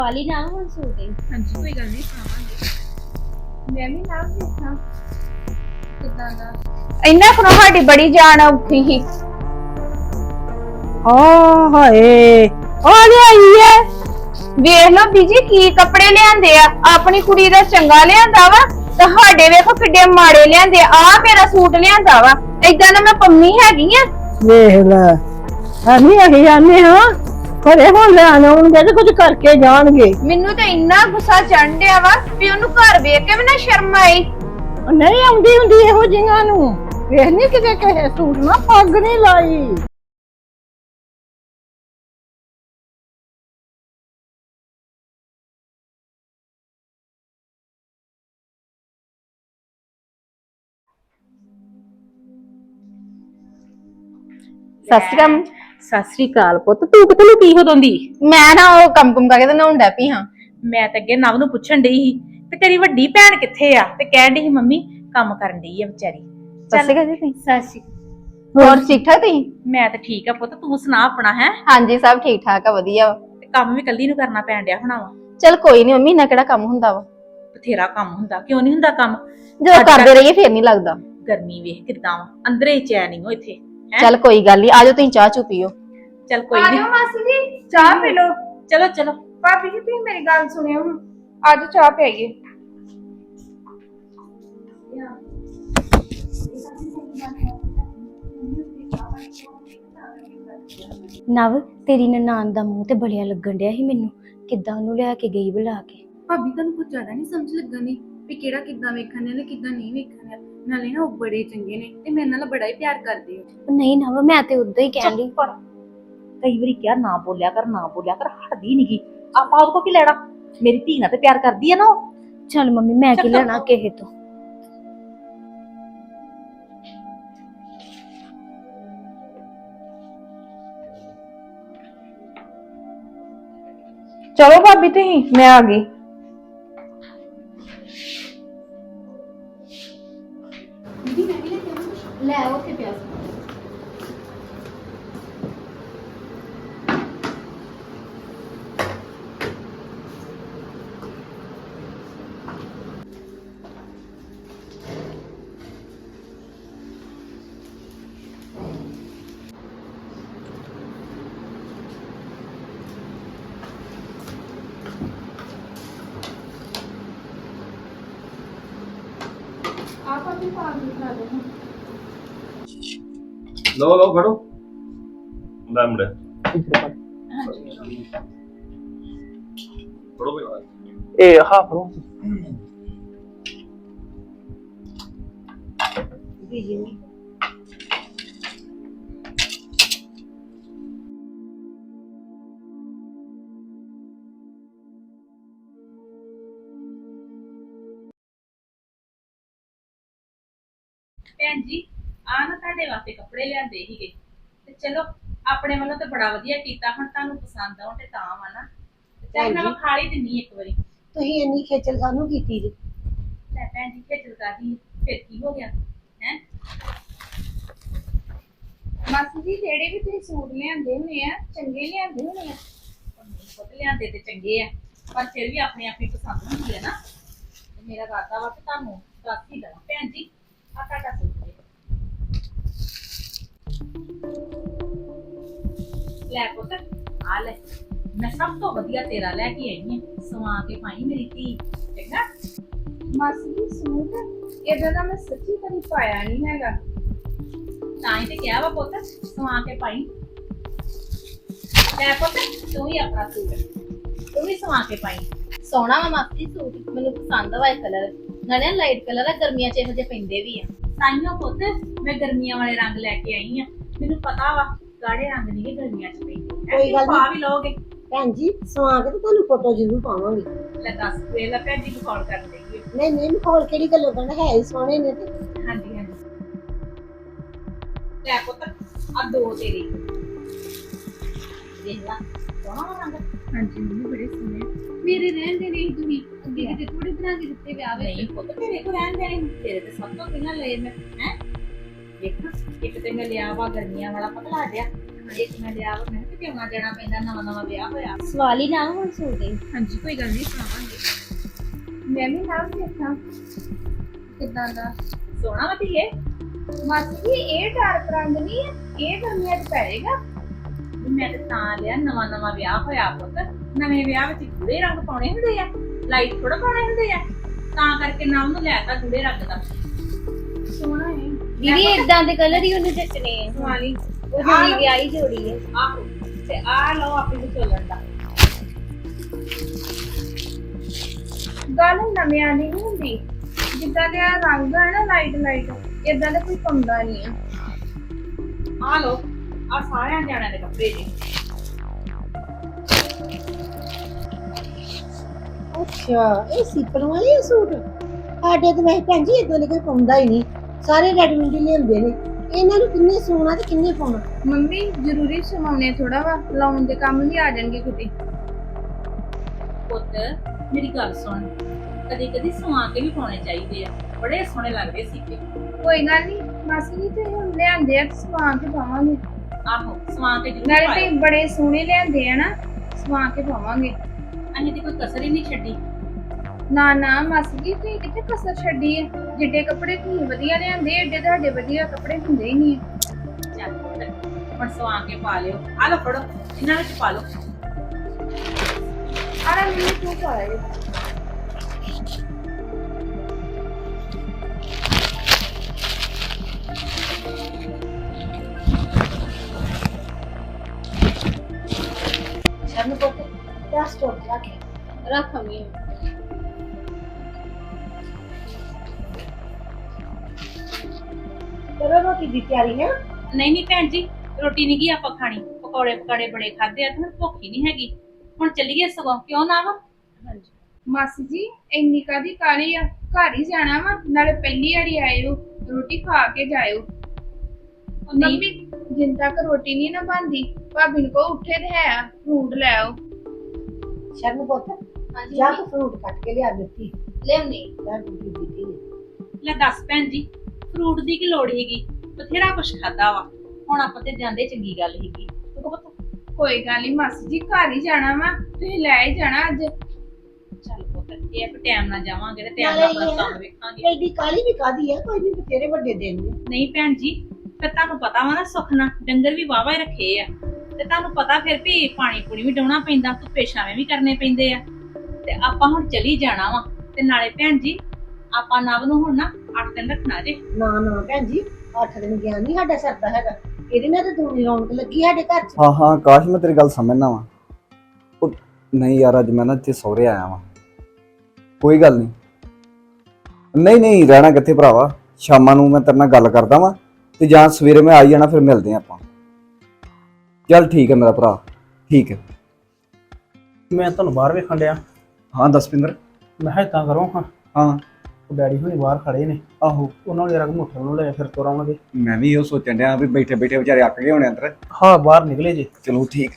ਵਾਲੀ ਨਾ ਹੁਣ ਸੂਟ ਹੈ। ਹਾਂਜੀ ਕੋਈ ਗੱਲ ਨਹੀਂ ਸੁਣਾਵਾਂਗੇ। ਮੈਂ ਵੀ ਨਾ ਦੇਖਾਂ ਕਿੱਦਾਂ ਦਾ। ਇੰਨਾ ਖਣੋ ਸਾਡੀ ਬੜੀ ਜਾਨ ਔਖੀ ਸੀ। ਹਾਏ ਆ ਲਿਆਈ ਐ। ਵੇਖ ਲੋ ਬੀਜੀ ਕੀ ਕੱਪੜੇ ਲਿਆਂਦੇ ਆ। ਆਪਣੀ ਕੁੜੀ ਦਾ ਚੰਗਾ ਲਿਆਂਦਾ ਵਾ ਤੇ ਸਾਡੇ ਵੇਖੋ ਕਿੱਡੇ ਮਾੜੇ ਲਿਆਂਦੇ ਆ। ਮੇਰਾ ਸੂਟ ਲਿਆਂਦਾ ਵਾ ਏਦਾਂ ਨਾ ਮੈਂ ਪੰਮੀ ਹੈਗੀ ਆ। ਵੇਖ ਲੈ ਅਸੀਂ ਆਨੇ ਹਾਂ ਘਰੇ ਹੁਣ ਲੈਣ ਆਉਣਗੇ ਤੇ ਕੁਝ ਕਰਕੇ ਜਾਣਗੇ। ਮੈਨੂੰ ਤਾਂ ਇੰਨਾ ਗੁੱਸਾ ਚੜ੍ਹ ਡਿਆ ਵਾ ਵੀ ਉਹਨੂੰ ਘਰ ਵੇਖ ਕੇ ਵੀ ਨਾ ਸ਼ਰਮ ਆਈ। ਨਹੀਂ ਆਉਂਦੀ ਹੁੰਦੀ ਇਹੋ ਜਿਹੀਆਂ ਨੂੰ। ਵੇਖ ਨਹੀਂ ਕਿਤੇ ਕਿਸੇ ਸੂਟ ਨਾ ਪੱਗ ਨਹੀਂ ਲਾਈ। ਸਤਿ ਸਤਿ ਸ੍ਰੀ ਅਕਾਲ ਪੁੱਤ, ਤੂੰ ਕਿੱਥੇ ਲੁਕੀ ਹੋ ਦੋਂਦੀ? ਮੈਂ ਨਾ ਉਹ ਕੰਮ ਕਰਕੇ ਤੇ ਨਹਾਉਣ ਡੈ ਪਈ ਹਾਂ। ਮੈਂ ਤਾਂ ਅੱਗੇ ਨਵ ਨੂੰ ਪੁੱਛਣ ਡਈ ਸੀ ਤੇ ਤੇਰੀ ਵੱਡੀ ਭੈਣ ਕਿੱਥੇ ਆ, ਤੇ ਕਹਿਣ ਡਈ ਸੀ ਮੰਮੀ ਕੰਮ ਕਰਨ ਡਈ ਆ ਵਿਚਾਰੀ। ਸੱਸੀ ਜੀ ਤੁਸੀਂ ਸਾਸੀ ਹੋਰ ਠੀਕ ਠਾਕ ਤੁਸੀਂ? ਮੈਂ ਤਾਂ ਠੀਕ ਆ ਪੁੱਤ, ਤੂੰ ਸੁਣਾ ਆਪਣਾ। ਹੈ ਹਾਂਜੀ ਸਭ ਠੀਕ ਠਾਕ ਆ ਵਧੀਆ ਵਾ। ਤੇ ਕੰਮ ਵੀ ਕੱਲੀ ਨੂੰ ਕਰਨਾ ਪੈਣ ਡਿਆ ਹੋਣਾ ਵਾ। ਚਲ ਕੋਈ ਨਹੀਂ ਮੰਮੀ, ਨਾ ਕਿਹੜਾ ਕੰਮ ਹੁੰਦਾ ਵਾ। ਬਥੇਰਾ ਕੰਮ ਹੁੰਦਾ, ਕਿਉਂ ਨਹੀਂ ਹੁੰਦਾ ਕੰਮ। ਜਦੋਂ ਕਰਦੇ ਰਹੀਏ ਫੇਰ ਨਹੀਂ ਲੱਗਦਾ। ਗਰਮੀ ਵੇਖ ਕਿੱਦਾਂ ਵਾ, ਅੰਦਰੇ ਹੀ ਚੈਨ ਨਹੀਂ ਹੋ ਇੱਥੇ। ਚੱਲ ਕੋਈ ਗੱਲ ਨਹੀਂ, ਆਜੋ ਤੁਸੀਂ ਚਾਹ ਚੁ ਪੀਓ। ਚੱਲ ਕੋਈ ਨਹੀਂ, ਮਾਸੀ ਜੀ ਚਾਹ ਪੀ ਲੋ। ਚਲੋ ਚਲੋ। ਭਾਬੀ ਜੀ ਤੁਸੀਂ ਮੇਰੀ ਗੱਲ ਸੁਣਿਓ ਹੁਣ, ਅੱਜ ਚਾਹ ਪੀਈਏ। ਨਵ ਤੇਰੀ ਨਨਾਣ ਦਾ ਮੂੰਹ ਤੇ ਬੜਿਆ ਲੱਗਣ ਡਿਆ ਸੀ ਮੈਨੂੰ। ਕਿੱਦਾਂ ਉਹਨੂੰ ਲਿਆ ਕੇ ਗਈ ਬੁਲਾ ਕੇ। ਭਾਬੀ ਤੁਹਾਨੂੰ ਕੁਝ ਜ਼ਿਆਦਾ ਨਹੀਂ ਸਮਝ ਲੱਗਣੀ ਵੀ ਕਿਹੜਾ ਕਿੱਦਾਂ ਵੇਖਣ ਨੇ ਕਿੱਦਾਂ ਨਹੀਂ ਵੇਖਣ ਨੇ। ਨਾਲੇ ਨਾ ਉਹ ਬੜੇ ਚੰਗੇ ਨੇ ਤੇ ਮੇਰੇ ਨਾਲ ਬੜਾ ਹੀ ਪਿਆਰ ਕਰਦੇ ਹੋ। ਉਹ ਨਹੀਂ ਨਵ, ਮੈਂ ਤੇ ਉਦਾਂ ਹੀ ਕਹਿਣ ਡਈ। ਕਈ ਵਾਰੀ ਕਿਹਾ ਨਾ ਬੋਲਿਆ ਕਰ, ਨਾ ਬੋਲਿਆ ਕਰ, ਹਟਦੀ ਨੀ ਗੀ। ਆਪਾਂ ਉਹਦੇ ਕੋ ਕੀ ਲੈਣਾ, ਮੇਰੀ ਧੀ ਨਾਲ ਤੇ ਪਿਆਰ ਕਰਦੀ ਆ ਨਾ ਉਹ। ਚੱਲ ਮੰਮੀ ਮੈਂ ਕੀ ਲੈਣਾ ਕਿਸੇ ਤੋਂ। ਚਲੋ ਭਾਬੀ ਤੁਸੀਂ, ਮੈਂ ਆ ਗਈ। ਲੈ ਉੱਥੇ ਪਿਆ। ਲਓ ਫੜੋ ਲੈ ਮੁੰਡੇ ਫੜੋ ਬਈ ਇਹ ਹਾਂ ਫਰੋ ਭੈਣ ਜੀ ਆ ਨਾ ਤੁਹਾਡੇ ਵਾਸਤੇ ਕੱਪੜੇ ਲਿਆਂਦੇ ਸੀਗੇ, ਤੇ ਚਲੋ ਆਪਣੇ ਵੱਲੋਂ ਤੇ ਬੜਾ ਵਧੀਆ ਕੀਤਾ। ਹੁਣ ਤੁਹਾਨੂੰ ਪਸੰਦ ਆਉਣ ਤੇ ਤਾਂ ਵਾ ਨਾ, ਚੱਲ ਮੈਂ ਵਿਖਾ ਹੀ ਦਿੰਨੀ ਇੱਕ ਵਾਰੀ। ਤੁਸੀਂ ਇੰਨੀ ਖੇਚਲ ਕਾਹਨੂੰ ਕੀਤੀ ਜੀ? ਲੈ ਭੈਣ ਜੀ ਖੇਚਲ ਕਰਦੀ, ਫਿਰ ਕੀ ਹੋ ਗਿਆ ਹੈ। ਮਾਸੀ ਜੀ ਜਿਹੜੇ ਵੀ ਤੁਸੀਂ ਸੂਟ ਲਿਆਂਦੇ ਹੋਣੇ ਆ ਚੰਗੇ ਲਿਆਂਦੇ ਹੋਣੇ ਆ। ਪੁੱਤ ਲਿਆਂਦੇ ਤੇ ਚੰਗੇ ਆ, ਪਰ ਫਿਰ ਵੀ ਆਪਣੀ ਆਪਣੀ ਪਸੰਦ ਹੁੰਦੀ ਹੈ ਨਾ। ਤੇ ਮੇਰਾ ਇਰਾਦਾ ਵਾ ਕਿ ਤੁਹਾਨੂੰ ਦੱਸ ਹੀ ਦੇਣਾ। ਭੈਣ ਜੀ ਆ ਤੁਹਾਡਾ ਸੂਟ ਜੇ। ਲੈ ਪੁੱਤ ਆ ਲੈ, ਮੈਂ ਸਭ ਤੋਂ ਵਧੀਆ ਤੇਰਾ ਲੈ ਕੇ ਆਈ ਹਾਂ। ਸਵਾ ਕੇ ਪਾਈ ਮੇਰੀ ਧੀ, ਚੰਗਾ। ਮਾਸੀ ਜੀ ਸੂਟ ਇਹਦਾ ਤਾਂ ਮੈਂ ਸੱਚੀ ਕਦੀ ਪਾਇਆ ਨਹੀਂ ਹੈਗਾ। ਤਾਂ ਹੀ ਤੇ ਕਿਹਾ ਵਾ ਪੁੱਤ ਸਵਾ ਕੇ ਪਾਈ। ਲੈ ਪੁੱਤ ਤੂੰ ਵੀ ਆਪਣਾ ਸੂਟ ਤੂੰ ਵੀ ਸਵਾ ਕੇ ਪਾਈ। ਸੋਹਣਾ ਵਾ ਮਾਸੀ ਸੂਟ, ਮੈਨੂੰ ਪਸੰਦ ਆ ਇਹ ਕਲਰ। ਨਾਲੇ ਲਾਈਟ ਕਲਰ ਆ, ਗਰਮੀਆਂ ਚ ਇਹੋ ਜਿਹੇ ਪੈਂਦੇ ਵੀ ਆ। ਤਾਈਓ ਪੁੱਤ ਮੈਂ ਗਰਮੀਆਂ ਵਾਲੇ ਰੰਗ ਲੈ ਕੇ ਆਈ ਆ। ਮੈਨੂੰ ਪਤਾ ਵਾ ਗਾੜੇ ਰੰਗ ਨਹੀਂ ਗਰਮੀਆਂ ਚ ਪੈਂਦੇ। ਕੋਈ ਗੱਲ ਪਾ ਵੀ ਲਓਗੇ ਭੈਣ ਜੀ ਸਵਾ ਕੇ ਤੇ ਤੁਹਾਨੂੰ ਫੋਟੋ ਜ਼ਰੂਰ ਪਾਵਾਂਗੇ। ਲੈ ਦੱਸ ਵੇਖ ਲੈ ਭੈਣ ਜੀ ਕਾਲ ਕਰ ਦੇਗੀ। ਨਹੀਂ ਮਖੌਲ ਕਿਹੜੀ ਗੱਲੋਂ ਕਰਨਾ, ਹੈ ਹੀ ਸੋਹਣੇ ਨੇ ਤੇ। ਹਾਂਜੀ ਹਾਂਜੀ ਲੈ ਪੁੱਤ ਆ ਦੋ ਤੇਰੇ ਦੇਖ ਲਾ ਸੋਹਣਾ ਵਾ ਰੰਗ। ਹਾਂਜੀ ਮੰਮੀ ਬੜੇ ਸੋਹਣੇ ਮੇਰੇ ਰਹਿੰਦੇ ਨੇ ਤੁਸੀਂ ਅੱਗੇ ਕਿਤੇ ਥੋੜੇ ਬਣਾ ਕੇ ਦਿੱਤੇ ਵਿਆਹ ਵਿੱਚ। ਨਹੀਂ ਪੁੱਤ ਤੇਰੇ ਕੋ ਰਹਿਣ ਦੇਣੇ, ਤੇਰੇ ਤੇ ਸਭ ਤੋਂ ਪਹਿਲਾਂ ਲਏ ਮੈਂ। ਹੈ ਦੇਖ ਇੱਕ ਤੇ ਮੈਂ ਲਿਆ ਵਾ ਗਰਮੀਆਂ ਵਾਲਾ ਪਤਲਾ ਜਿਹਾ, ਇੱਕ ਮੈਂ ਲਿਆ ਵਾ ਮੈਂ ਤੇ ਆਉਣਾ ਜਾਣਾ ਪੈਂਦਾ, ਨਵਾਂ ਨਵਾਂ ਵਿਆਹ ਹੋਇਆ। ਸਵਾਲ ਹੀ ਨਾ ਹੁਣ ਸੂਟ ਦੇ। ਹਾਂਜੀ ਕੋਈ ਗੱਲ ਨਹੀਂ, ਸੁਣਾਵਾਂਗੇ। ਮੈਂ ਵੀ ਨਾਲ ਦੇਖਾਂ ਕਿੱਦਾਂ ਦਾ। ਸੋਹਣਾ ਵਾ ਧੀਏ। ਮਾਸੀ ਜੀ ਇਹ ਡਾਰਕ ਰੰਗ ਨਹੀਂ ਹੈ, ਇਹ ਗਰਮੀਆਂ 'ਚ ਪੈਏਗਾ। ਮੈਂ ਤੇ ਤਾਂ ਲਿਆ, ਨਵਾਂ ਨਵਾਂ ਵਿਆਹ ਹੋਇਆ ਪੁੱਤ। ਨਵੇਂ ਵਿਆਹ ਵਿੱਚ ਗੂੜੇ ਰੰਗ ਪਾਉਣੇ ਹੁੰਦੇ ਆ, ਲਾਈਟ ਥੋੜਾ ਪਾਉਣੇ ਹੁੰਦੇ ਆ। ਤਾਂ ਕਰਕੇ ਨਾ ਉਹਨੂੰ ਲੈ ਤਾ ਗੂੜੇ ਰੰਗ ਦਾ। ਸੋਹਣਾ ਹੈ। ਦੀਦੀ ਇਦਾਂ ਦੇ ਕਲਰ ਹੀ ਉਹਨੂੰ ਜੱਟਨੇ ਆ। ਵਾਲੀ ਉਹ ਜਿਹੜੀ ਵਿਆਹੀ ਜੋੜੀ ਹੈ। ਆਹੋ, ਤੇ ਆ ਲਓ ਆਪਣੀ ਚੱਲਣ ਦਾ। ਗੱਲ ਨਵਿਆਂ ਦੀ ਨਹੀਂ ਹੁੰਦੀ, ਜਿੱਦਾਂ ਦੇ ਆਹ ਰੰਗ ਹੈ ਨਾ ਲਾਈਟ ਇਦਾਂ ਦਾ ਕੋਈ ਪਾਉਂਦਾ ਨਹੀਂ ਆ। ਆ ਲਓ, ਆ ਸਾਰਿਆਂ ਜਾਣਿਆਂ ਦੇ ਕੱਪੜੇ ਜੀ। ਅੱਛਾ ਇਹ ਸੀਪਣ ਵਾਲੇ ਆ ਸੂਟ। ਸਾਡੇ ਤੇ ਵੈਸੇ ਭੈਣ ਜੀ ਇਦਾਂ ਦੇ ਕੋਈ ਪਾਉਂਦਾ ਹੀ ਨਹੀਂ, ਸਾਰੇ ਰੈਡੀਮੇਡ ਹੀ ਲਿਆਉਂਦੇ ਨੇ। ਇਹਨਾਂ ਨੂੰ ਕਿੰਨੇ ਸੋਣਾ ਤੇ ਕਿੰਨੇ ਪਾਉਣਾ। ਮੰਮੀ ਜ਼ਰੂਰੀ ਸਮਾਉਣੇ ਥੋੜਾ ਵਾ, ਲਾਉਣ ਦੇ ਕੰਮ ਵੀ ਆ ਜਾਣਗੇ ਕਿਤੇ। ਪੁੱਤ ਮੇਰੀ ਗੱਲ ਸੁਣ, ਕਦੀ ਕਦੀ ਸਵਾ ਕੇ ਵੀ ਪਾਉਣੇ ਚਾਹੀਦੇ ਆ, ਬੜੇ ਸੋਹਣੇ ਲੱਗਦੇ ਸੀਗੇ। ਕੋਈ ਗੱਲ ਨਹੀਂ ਮਾਸੀ ਜੀ, ਤੇ ਹੁਣ ਲਿਆਂਦੇ ਆ ਸਵਾ ਕੇ ਪਾਵਾਂਗੇ। ਆਹੋ, ਸਵਾ ਕੇ ਜ਼ਰੂਰ ਨਾਲੇ ਪਾਇਓ। ਤੇ ਬੜੇ ਸੋਹਣੇ ਲਿਆਂਦੇ ਆ ਨਾ, ਸਵਾ ਕੇ ਪਾਵਾਂਗੇ। ਅਸੀਂ ਤੇ ਕੋਈ ਕਸਰ ਹੀ ਨਹੀਂ ਛੱਡੀ। ਨਾ ਨਾ ਮਾਸੀ ਜੀ, ਤੁਸੀਂ ਕਿੱਥੇ ਕਸਰ ਛੱਡੀ ਹੈ? ਜਿੱਡੇ ਕੱਪੜੇ ਤੁਸੀਂ ਵਧੀਆ ਲਿਆਂਦੇ, ਏਡੇ ਤੁਹਾਡੇ ਵਧੀਆ ਕੱਪੜੇ ਹੁੰਦੇ ਹੀ ਨਹੀਂ। ਚੱਲ ਪੁੱਤ, ਹੁਣ ਸਵਾ ਕੇ ਪਾ ਲਿਓ। ਆ ਲਓ ਫੜੋ, ਇਹਨਾਂ ਵਿੱਚ ਪਾ ਲਓ। ਆਰਾ ਮੈਨੂੰ ਤੂੰ ਪਾਇਆ ਸ਼ਰਨ ਕੋਟ ਦਾ ਸਟੋਰ ਰੱਖੇ ਰੱਖਾਂਗੇ। ਕਰੋ ਰੋਟੀ ਦੀ ਤਿਆਰੀ ਹੈ। ਨਹੀਂ ਨਹੀਂ ਭੈਣ ਜੀ, ਰੋਟੀ ਨਹੀਂ ਗਈ ਆਪਾਂ ਖਾਣੀ। ਪਕੌੜੇ ਪਕਾੜੇ ਬੜੇ ਖਾਦੇ ਆ ਤੇ ਹੁਣ ਭੁੱਖ ਹੀ ਨਹੀਂ ਹੈਗੀ। ਹੁਣ ਚੱਲੀਏ ਸਗੋਂ, ਕਿਉਂ ਨਾ ਵਾ? ਮਾਸੀ ਜੀ ਇੰਨੀ ਕਾਦੀ ਕਾਲੀ ਆ? ਘਰ ਹੀ ਜਾਣਾ ਵਾ, ਨਾਲੇ ਪਹਿਲੀ ਵਾਰੀ ਆਏ ਹੋ, ਰੋਟੀ ਖਾ ਕੇ ਜਾਇਓ। ਉਹ ਨਹੀਂ, ਮੰਮੀ ਜਿੰਨ ਤੱਕ ਰੋਟੀ ਨਹੀਂ ਨਾ ਬਣਦੀ, ਭਾਬੀ ਨੂੰ ਕਹੋ ਉੱਠੇ ਤੇ ਹੈ ਫੂਡ ਲੈ ਆਓ। ਸ਼ਰਨ ਪੁੱਤ ਹਾਂਜੀ ਜਾ ਕੇ ਫਰੂਟ ਕੱਟ ਕੇ ਲਿਆ ਦਿੱਤੀ ਲਿਆਉਣੀ। ਲੈ ਦੂਜੀ ਦਿੱਤੀ ਹੈ। ਲੈ ਦੱਸ ਭੈਣ ਜੀ, ਫਰੂਟ ਦੀ ਕੀ ਲੋੜ ਹੈਗੀ? ਬਥੇਰਾ ਕੁਛ ਖਾਦਾ ਵਾ, ਹੁਣ ਆਪਾਂ ਤੇ ਜਾਂਦੇ ਚੰਗੀ ਗੱਲ ਹੈਗੀ। ਤੂੰ ਕਹ ਪੁੱਤ, ਕੋਈ ਗੱਲ ਨਹੀਂ ਮਾਸੀ ਜੀ, ਘਰ ਹੀ ਜਾਣਾ ਵਾ, ਤੁਸੀਂ ਲੈ ਹੀ ਜਾਣਾ ਅੱਜ। ਚੱਲ ਪੁੱਤ, ਇਹ ਇੱਕ ਟਾਈਮ ਨਾਲ ਜਾਵਾਂਗੇ ਤੇ ਟਾਈਮ ਨਾਲੇ ਨਾਲ ਆਪਣਾ ਇਹ ਆ, ਕੰਮ ਵੇਖਾਂਗੇ। ਐਡੀ ਕਾਲੀ ਵੀ ਕਾਦੀ ਹੈ, ਕੋਈ ਨਹੀਂ ਬਥੇਰੇ ਵੱਡੇ ਦਿਨ ਨੇ। ਨਹੀਂ ਭੈਣ ਜੀ, ਫਿਰ ਤੁਹਾਨੂੰ ਪਤਾ ਵਾ ਨਾ, ਸੁਖਨਾ ਡੰਗਰ ਵੀ ਵਾਵਾ ਹੀ ਰੱਖੇ ਆ, ਤੇ ਤੁਹਾਨੂੰ ਪਤਾ ਫਿਰ ਵੀ ਪਾਣੀ ਪੂਣੀ ਵੀ ਡਾਉਣਾ ਪੈਂਦਾ, ਧੁੱਪੇ ਛਾਵੇਂ ਵੀ ਕਰਨੇ ਪੈਂਦੇ ਆ। ਤੇ ਆਪਾਂ ਹੁਣ ਚਲੀ ਜਾਣਾ ਵਾ, ਤੇ ਨਾਲੇ ਭੈਣ ਜੀ ਆਪਾਂ ਨਵ ਨੂੰ ਹੁਣ ਨਾ 8 ਦਿਨ ਰੱਖਣਾ ਜੇ। ਨਾ ਨਾ ਭੈਣ ਜੀ 8 ਦਿਨ ਗਿਆ ਨਹੀਂ ਸਾਡਾ ਸਰਦਾ ਹੈਗਾ। ਇਹਦੇ ਨਾਲ ਤਾਂ ਦੂਣੀ ਰੌਣਕ ਲੱਗੀ ਸਾਡੇ ਘਰ 'ਚ। ਹਾਂ ਹਾਂ ਕਾਸ਼ ਮੈਂ ਤੇਰੀ ਗੱਲ ਸਮਝਣਾ ਵਾ। ਉਹ ਨਹੀਂ ਯਾਰ, ਅੱਜ ਮੈਂ ਨਾ ਇੱਥੇ ਸਹੁਰੇ ਆਇਆ ਵਾਂ। ਕੋਈ ਗੱਲ ਨਹੀਂ, ਨਹੀਂ ਨਹੀਂ ਰਹਿਣਾ ਕਿੱਥੇ ਭਰਾਵਾ। ਸ਼ਾਮਾਂ ਨੂੰ ਮੈਂ ਤੇਰੇ ਨਾਲ ਗੱਲ ਕਰਦਾ ਵਾਂ, ਤੇ ਜਾਂ ਸਵੇਰੇ ਮੈਂ ਆ ਜਾਣਾ, ਫਿਰ ਮਿਲਦੇ ਆਪਾਂ। ਚੱਲ ਠੀਕ ਹੈ ਮੇਰਾ ਭਰਾ, ਠੀਕ ਹੈ। ਮੈਂ ਤੁਹਾਨੂੰ ਬਾਹਰ ਵੇਖਣ ਡਿਆ। ਹਾਂ ਦਸਪਿੰਦਰ। ਮੈਂ ਕਿਹਾ ਏਦਾਂ ਕਰੋ ਹਾਂ, ਹਾਂ ਉਹ ਡੈਡੀ ਹੁਣੀ ਬਾਹਰ ਖੜੇ ਨੇ, ਆਹੋ, ਉਹਨਾਂ ਨੂੰ ਜਰਾ ਮੋਟਰ ਨੂੰ ਲੈ ਫਿਰ ਤੁਰ ਆਉਣਗੇ। ਮੈਂ ਵੀ ਇਹੋ ਸੋਚਣ ਡਿਆ ਵੀ ਬੈਠੇ ਬੈਠੇ ਵਿਚਾਰੇ ਅੱਕ ਗਏ ਹੋਣੇ ਅੰਦਰ। ਹਾਂ ਬਾਹਰ ਨਿਕਲੇ ਜੇ। ਚਲੋ ਠੀਕ।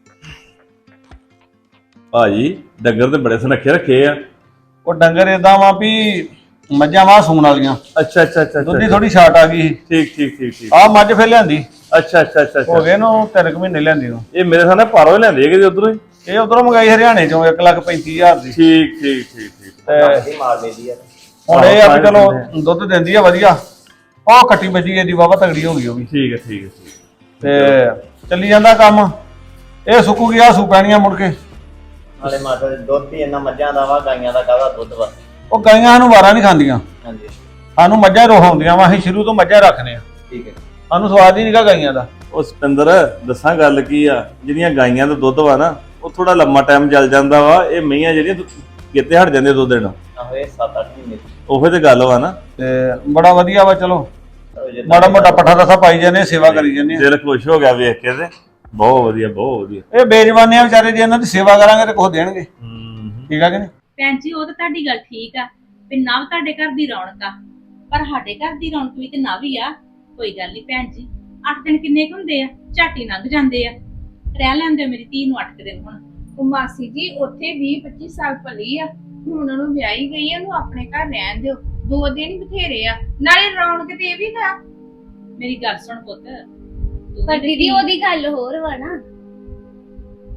ਭਾਜੀ ਡੰਗਰ ਤੇ ਬੜੇ ਸੁਨੱਖੇ ਰੱਖੇ ਆ। ਉਹ ਡੰਗਰ ਏਦਾਂ ਵਾ ਵੀ ਮੱਝਾਂ ਵਾ ਸੂਣ ਵਾਲੀਆਂ, ਅੱਛਾ ਅੱਛਾ ਅੱਛਾ ਦੁੱਧ ਦੀ ਥੋੜੀ ਛਾਟ ਆ ਗਈ। ਠੀਕ ਠੀਕ ਠੀਕ ਠੀਕ। ਆਹ ਮੱਝ ਫਿਰ ਲਿਆਂਦੀ, ਅੱਛਾ ਅੱਛਾ ਅੱਛਾ ਹੋ ਗਏ ਨੂੰ 3 ਮਹੀਨੇ ਲਿਆਂਦੀ ਨੂੰ। ਇਹ ਮੇਰੇ ਸਾਹਮਣੇ ਪਾਰੋਂ ਹੀ ਲੈਂਦੇ ਹੈਗੇ ਜੀ ਉਧਰੋਂ ਹੀ। ਇਹ ਉਧਰੋਂ ਮੰਗਾਈ ਹਰਿਆਣੇ ਚੋਂ 1,35,000 ਦੀ। ਠੀਕ ਠੀਕ ਠੀਕ ਠੀਕ। ਤੇ ਹੁਣ ਇਹ ਆ ਵੀ ਚਲੋ ਦੁੱਧ ਦਿੰਦੀ ਆ ਵਧੀਆ। ਉਹ ਕੱਟੀ ਬੱਜੀ ਇਹਦੀ ਵਾਵਾ ਤਗੜੀ ਹੋ ਗਈ ਉਹ ਵੀ। ਠੀਕ ਹੈ ਠੀਕ ਹੈ ਠੀਕ। ਤੇ ਚੱਲੀ ਜਾਂਦਾ ਕੰਮ। ਇਹ ਸੁੱਕੂ ਗਿਆ ਸੂ ਪੈਣੀਆਂ ਮੁੜ ਕੇ। ਨਾਲੇ ਮਾਤਾ ਦੇ ਦੁੱਧ ਵੀ ਇਹਨਾਂ ਮੱਝਾਂ ਦਾ ਵਾ, ਗਾਈਆਂ ਦਾ ਕਾਹਦਾ ਦੁੱਧ ਵਾ। ਉਹ ਗਾਈਆਂ ਨੂੰ ਵਾਰਾਂ ਨਹੀਂ ਖਾਂਦੀਆਂ, ਹਾਂਜੀ ਸਾਨੂੰ ਮੱਝਾਂ ਰੋਹਾਉਂਦੀਆਂ ਵਾ। ਅਸੀਂ ਸ਼ੁਰੂ ਤੋਂ ਮੱਝਾਂ ਰੱਖਨੇ ਆ, ਠੀਕ ਹੈ। ਸਾਨੂੰ ਸਵਾਦ ਹੀ ਨਹੀਂਗਾ ਗਾਈਆਂ ਦਾ। ਉਹ ਸਤਿੰਦਰ ਦੱਸਾਂ ਗੱਲ ਕੀ ਆ, ਜਿਹੜੀਆਂ ਗਾਈਆਂ ਦਾ ਦੁੱਧ ਵਾ ਨਾ, ਉਹ ਥੋੜਾ ਲੰਮਾ ਟਾਈਮ ਚੱਲ ਜਾਂਦਾ ਵਾ। ਇਹ ਮਈਆਂ ਜਿਹੜੀਆਂ ਕਿਤੇ ਹਟ ਜਾਂਦੇ ਦੁੱਧ ਦੇਣਾ, ਆਹੋ ਇਹ 7-8 ਮਹੀਨੇ ਉਹੇ ਤੇ ਗੱਲ ਵਾ ਨਾ। ਤੇ ਬੜਾ ਵਧੀਆ ਵਾ। ਚਲੋ ਜਿੱਦਾਂ ਮਾੜਾ ਮੋਟਾ ਪੱਠਾ ਦਸਾ ਪਾਈ ਜਾਂਦੇ, ਸੇਵਾ ਕਰੀ ਜਾਂਦੇ ਆ। ਦਿਲ ਖੁਸ਼ ਹੋ ਗਿਆ ਵੇਖ ਕੇ ਤੇ। ਬਹੁਤ ਵਧੀਆ ਬਹੁਤ ਵਧੀਆ। ਇਹ ਬੇਜਵਾਨੇ ਆ ਵਿਚਾਰੇ, ਜੇ ਇਹਨਾਂ ਦੀ ਸੇਵਾ ਕਰਾਂਗੇ ਤੇ ਕੁਝ ਦੇਣਗੇ। ਠੀਕ ਆ ਕਿ ਨਹੀਂ? ਭੈਣ ਜੀ ਉਹ ਤਾਂ ਤੁਹਾਡੀ ਗੱਲ ਠੀਕ ਆ ਵੀ ਨਵ ਤੁਹਾਡੇ ਘਰ ਦੀ ਰੌਣਕ ਆ, ਪਰ ਸਾਡੇ ਘਰ ਦੀ ਰੌਣਕ ਵੀ ਤੇ ਨਵ ਹੀ ਆ। ਕੋਈ ਗੱਲ ਨਹੀਂ ਭੈਣ ਜੀ, 8 ਦਿਨ ਕਿੰਨੇ ਕੁ ਹੁੰਦੇ ਆ, ਝਾਟੀ ਲੰਘ ਜਾਂਦੇ ਆ। ਰਹਿ ਲੈਂਦੇ ਮੇਰੀ ਧੀ ਨੂੰ 8 ਦਿਨ। ਹੁਣ ਉਹ ਮਾਸੀ ਜੀ ਉੱਥੇ 20-25 ਸਾਲ ਪਲੀ ਆ, ਹੁਣ ਉਹਨੂੰ ਵਿਆਹੀ ਗਈ ਆ, ਉਹਨੂੰ ਆਪਣੇ ਘਰ ਰਹਿਣ ਦਿਓ। 2 ਦਿਨ ਬਥੇਰੇ ਆ, ਨਾਲੇ ਰੌਣਕ ਤੇ ਇਹ ਵੀ ਤਾਂ। ਮੇਰੀ ਗੱਲ ਸੁਣ ਪੁੱਤ, ਤੂੰ ਪਰ ਵੀ ਦੀਦੀ ਉਹਦੀ ਗੱਲ ਹੋਰ ਵਾ ਨਾ।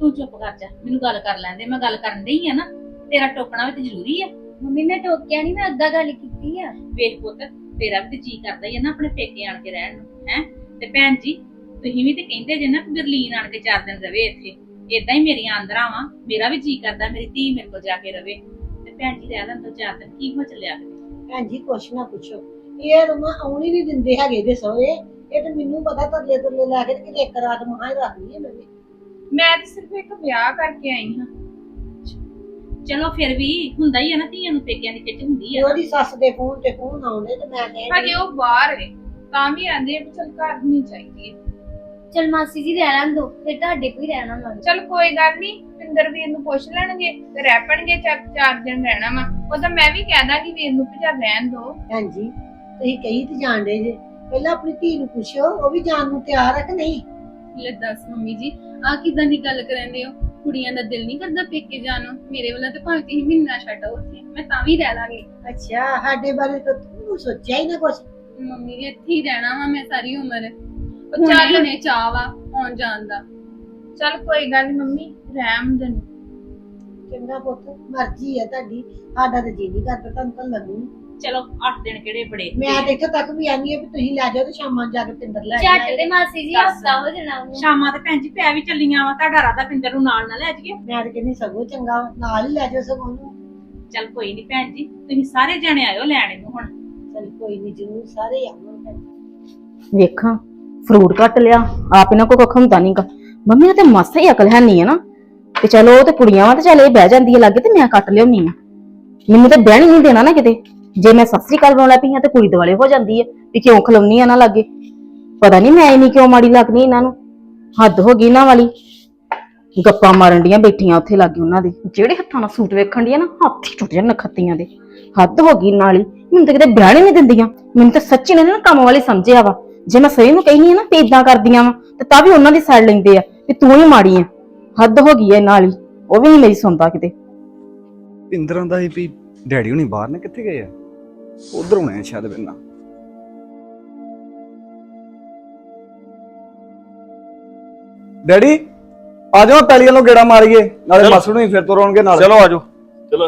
ਤੂੰ ਚੁੱਪ ਕਰ ਜਾ, ਮੈਨੂੰ ਗੱਲ ਕਰ ਲੈਂਦੇ, ਮੈਂ ਗੱਲ ਕਰਨ ਡਈ ਆ ਨਾ। ਤੇਰਾ ਟੋਕਣਾ ਵੀ ਤੇ ਜ਼ਰੂਰੀ ਆ। ਮੰਮੀ ਮੈਂ ਟੋਕਿਆ ਨਹੀਂ, ਮੈਂ ਅੱਗਾ ਗੱਲ ਕੀਤੀ ਆ। ਵੇਖ ਪੁੱਤ, ਤੇਰਾ ਵੀ ਤੇ ਜੀ ਕਰਦਾ ਹੀ ਆ ਨਾ ਆਪਣੇ ਪੇਕੇ ਆਣ ਕੇ ਰਹਿਣ ਨੂੰ, ਹੈ। ਤੇ ਭੈਣ ਜੀ ਤੁਸੀਂ ਵੀ ਤੇ ਕਹਿੰਦੇ ਜੇ ਨਾ ਕਿ ਗਰਲੀਨ ਆਣ ਕੇ 4 ਦਿਨ ਰਵੇ ਇੱਥੇ, ਏਦਾਂ ਹੀ ਮੇਰੀਆਂ ਆਂਦਰਾਂ ਵਾ, ਮੇਰਾ ਵੀ ਜੀ ਕਰਦਾ ਮੇਰੀ ਧੀ ਮੇਰੇ ਕੋਲ ਜਾ ਕੇ ਰਵੇ। ਤੇ ਭੈਣ ਜੀ ਰਹਿ ਲੈਣ ਤੋਂ 4 ਦਿਨ ਕੀ ਹੋ ਚੱਲਿਆ। ਭੈਣ ਜੀ ਕੁਛ ਨਾ ਪੁੱਛੋ, ਇਹ ਰਮਾ ਆਉਣੀ ਨਹੀਂ ਦਿੰਦੇ ਹੈਗੇ ਦੇ ਸਹੁਰੇ। ਇਹ ਤੇ ਮੈਨੂੰ ਪਤਾ ਤਰਲੇ ਤੁਰਲੇ ਲੈ ਕੇ ਤੇ ਇੱਕ ਰਾਤ ਮਹਾਂ ਹੀ ਰੱਖਣੀ ਹੈ ਮੈਂ ਵੀ। ਮੈਂ ਤਾਂ ਸਿਰਫ ਇੱਕ ਵਿਆਹ ਕਰਕੇ ਆਈ ਹਾਂ। ਚਲੋ ਫਿਰ ਵੀ ਹੁੰਦਾ ਹੀ ਆ ਨਾ, ਧੀਆਂ ਨੂੰ ਪੇਕਿਆਂ ਦੀ ਖਿੱਚ ਹੁੰਦੀ ਆ। ਉਹਦੀ ਸੱਸ ਦੇ ਫੋਨ ਤੇ ਫੋਨ ਆਉਂਦੇ ਤੇ ਮੈਂ ਕਹਿੰਦੀ ਹਜੇ ਉਹ ਬਾਹਰ ਹੈ ਤਾਂ ਵੀ ਆਂਦੇ ਵੀ ਚਲ ਘਰ ਨਹੀਂ ਚਾਹੀਦੀ ਹੈ। ਚਲ ਮਾਸੀ ਜੀ ਰਹਿ ਲੈਣ ਦੋ, ਫਿਰ ਤੁਹਾਡੇ ਕੋਈ ਰਹਿਣਾ ਲੱਗ। ਚਲ ਕੋਈ ਗੱਲ ਨਹੀਂ, ਪਿੰਦਰ ਵੀਰ ਨੂੰ ਪੁੱਛ ਲੈਣਗੇ ਤੇ ਰਹਿ ਪੈਣਗੇ 4 ਦਿਨ ਰਹਿਣਾ ਵਾ। ਉਹ ਤਾਂ ਮੈਂ ਵੀ ਕਹਿ ਦਾਂਗੀ ਵੀਰ ਨੂੰ ਵੀ ਚੱਲ ਰਹਿਣ ਦੋ। ਭੈਣ ਜੀ ਤੁਸੀਂ ਕਹੀ ਤੇ ਜਾਣਦੇ ਜੇ, ਪਹਿਲਾਂ ਆਪਣੀ ਧੀ ਨੂੰ ਪੁੱਛੋ ਉਹ ਵੀ ਜਾਣ ਨੂੰ ਤਿਆਰ ਹੈ ਕਿ ਨਹੀਂ। ਲੈ ਦੱਸ ਮੰਮੀ ਜੀ, ਆ ਕਿਦਾਂ ਦੀ ਗੱਲ ਕਰਦੇ ਹੋ? ਕੁੜੀਆਂ ਦਾ ਦਿਲ ਨਹੀਂ ਕਰਦਾ ਪੇਕੇ ਜਾਣ ਨੂੰ? ਮੇਰੇ ਵੱਲੋਂ ਤੇ ਭਾਵੇਂ ਤੁਸੀਂ ਮਹੀਨਾ ਛੱਡੋ ਉੱਥੇ, ਮੈਂ ਤਾਂ ਵੀ ਰਹਿ ਲਾਂਗੀ। ਅੱਛਾ ਸਾਡੇ ਬਾਰੇ ਤਾਂ ਤੂੰ ਸੋਚਿਆ ਹੀ ਨਾ ਕੁਛ। ਮੰਮੀ ਜੀ ਇੱਥੇ ਹੀ ਰਹਿਣਾ ਵਾ ਮੈਂ ਸਾਰੀ ਉਮਰ। ਉਹ ਚੱਲ ਨੇ ਚਾਹ ਵਾ ਆਉਣ ਜਾਣ ਦਾ। ਚਲ ਕੋਈ ਗੱਲ ਨੀ ਮੰਮੀ, ਰਹਿਮ ਦੇ। ਚੰਗਾ ਪੁੱਤ, ਮਰਜ਼ੀ ਹੈ ਤੁਹਾਡੀ, ਸਾਡਾ ਤਾਂ ਜੀ ਨਹੀਂ ਕਰਦਾ ਤੁਹਾਨੂੰ ਤਾਂ ਲੱਗੂ। ਚਲੋ 8 ਦਿਨ ਕਿਹੜੇ ਬੜੇ। ਮੈਂ ਤੇ ਇੱਥੇ ਤੱਕ ਵੀ ਆਨੀ ਆ ਵੀ ਤੁਸੀਂ ਲੈ ਜਾਓ ਤੇ ਸ਼ਾਮਾਂ ਜਾ ਕੇ ਪਿੰਦਰ ਲੈ ਝੱਟ ਜਾਓ। ਤੇ ਮਾਸੀ ਜੀ ਹਫਤਾ ਹੋ ਜਾਣਾ ਉਹਨੂੰ। ਸ਼ਾਮਾਂ ਤੇ ਭੈਣ ਜੀ ਪੈ ਵੀ ਚੱਲੀਆਂ ਵਾ, ਤੁਹਾਡਾ ਰਾਦਾ ਪਿੰਦਰ ਨੂੰ ਨਾਲ ਨਾ ਲੈ ਜਾਈਏ। ਮੈਂ ਤੇ ਕਹਿੰਦੀ ਸਗੋਂ ਚੰਗਾ ਨਾਲ ਹੀ ਲੈ ਜਾਓ ਸਗੋਂ ਨੂੰ। ਚਲ ਕੋਈ ਨਹੀਂ ਭੈਣ ਜੀ, ਤੁਸੀਂ ਸਾਰੇ ਜਣੇ ਆਇਓ ਲੈਣ ਇਹਨੂੰ ਹੁਣ। ਚਲ ਕੋਈ ਨਹੀਂ, ਜ਼ਰੂਰ ਸਾਰੇ ਆਵਾਂਗੇ। ਵੇਖਾਂ ਫਰੂਟ ਕੱਟ ਲਿਆ, ਆਪ ਇਹਨਾਂ ਕੋ ਕੱਖ ਹੁੰਦਾ ਨਹੀਂਗਾ। ਮੰਮੀ ਨੇ ਤੇ ਮਾਸਾ ਹੀ ਅਕਲ ਹੈ ਨਹੀਂ ਹੈ ਨਾ। ਤੇ ਚਲੋ ਉਹ ਤੇ ਕੁੜੀਆਂ ਵਾ ਤੇ ਚੱਲ ਇਹ ਬਹਿ ਜਾਂਦੀ ਹੈ ਲਾਗੇ ਤੇ ਮੈਂ ਕੱਟ ਲਿਆਉਣੀ ਆ। ਮੈਨੂੰ ਤੇ ਬਹਿਣ ਨਹੀਂ ਦੇਣਾ ਨਾ ਕਿਤੇ। ਜੇ ਮੈਂ ਸਤਿ ਸ੍ਰੀ ਅਕਾਲ ਬੁਲਾਉਣਾ ਪਈ ਆ ਤੇ ਕੁੜੀ ਦੁਆਲੇ ਹੋ ਜਾਂਦੀ ਹੈ ਵੀ ਕਿਉਂ ਖਲੋਨੀ ਆ ਨਾ ਲਾਗੇ। ਪਤਾ ਨਹੀਂ ਮੈਂ ਨਹੀਂ ਕਿਉਂ ਮਾੜੀ ਲੱਗਣੀ ਇਹਨਾਂ ਨੂੰ। ਹੱਦ ਹੋ ਗਈ ਇਹਨਾਂ ਵਾਲੀ। ਗੱਪਾਂ ਮਾਰਨ ਡੀਆਂ ਬੈਠੀਆਂ ਉੱਥੇ ਲਾਗੇ ਉਹਨਾਂ ਦੇ, ਜਿਹੜੇ ਹੱਥਾਂ ਨਾਲ ਸੂਟ ਵੇਖਣ ਡੀਆਂ ਨਾ ਹੱਥ ਹੀ ਟੁੱਟ ਜਾਣ ਨਖੱਤੀਆਂ ਦੇ। ਹੱਦ ਹੋ ਗਈ ਨਾਲ ਹੀ। ਮੈਨੂੰ ਤਾਂ ਕਿਤੇ ਵਿਆਹ ਨਹੀਂ ਦਿੰਦੀਆਂ। ਮੈਨੂੰ ਤਾਂ ਸੱਚੀ ਨੇ ਨਾ ਕੰਮ ਵਾਲੀ ਸਮਝਿਆ ਵਾ। ਜੇ ਮੈਂ ਸਹੀ ਨੂੰ ਕਹਿਨੀ ਆ ਨਾ ਤੇ ਇਦਾਂ ਕਰਦੀਆਂ ਵਾ ਤੇ ਤਾਂ ਵੀ ਉਹਨਾਂ ਦੀ ਸਾਈਡ ਲੈਂਦੇ ਆ ਵੀ ਤੂੰ ਹੀ ਮਾੜੀ ਆ। ਹੱਦ ਹੋ ਗਈ ਐ ਨਾਲ ਹੀ। ਉਹ ਵੀ ਨਹੀਂ ਮੇਰੀ ਸੁਣਦਾ ਕਿਤੇ। ਪਿੰਦਰਾਂ ਦਾ ਹੀ ਵੀ ਡੈਡੀ ਹੁਣੀ ਬਾਹਰ ਨੇ, ਕਿੱਥੇ ਗਏ ਆ? ਉਧਰ ਹੋਣੇ ਆ ਸ਼ਾਇਦ ਬਿੰਨਾ। ਡੈਡੀ ਆ ਜਾਓ, ਪੈਲੀ ਵੱਲੋਂ ਗੇੜਾ ਮਾਰੀਏ, ਨਾਲੇ ਮਾਸੜ ਨੂੰ ਹੀ ਫਿਰ ਤੋਂ ਰੋਣਗੇ ਨਾਲ। ਚਲੋ ਆਜੋ, ਚਲੋ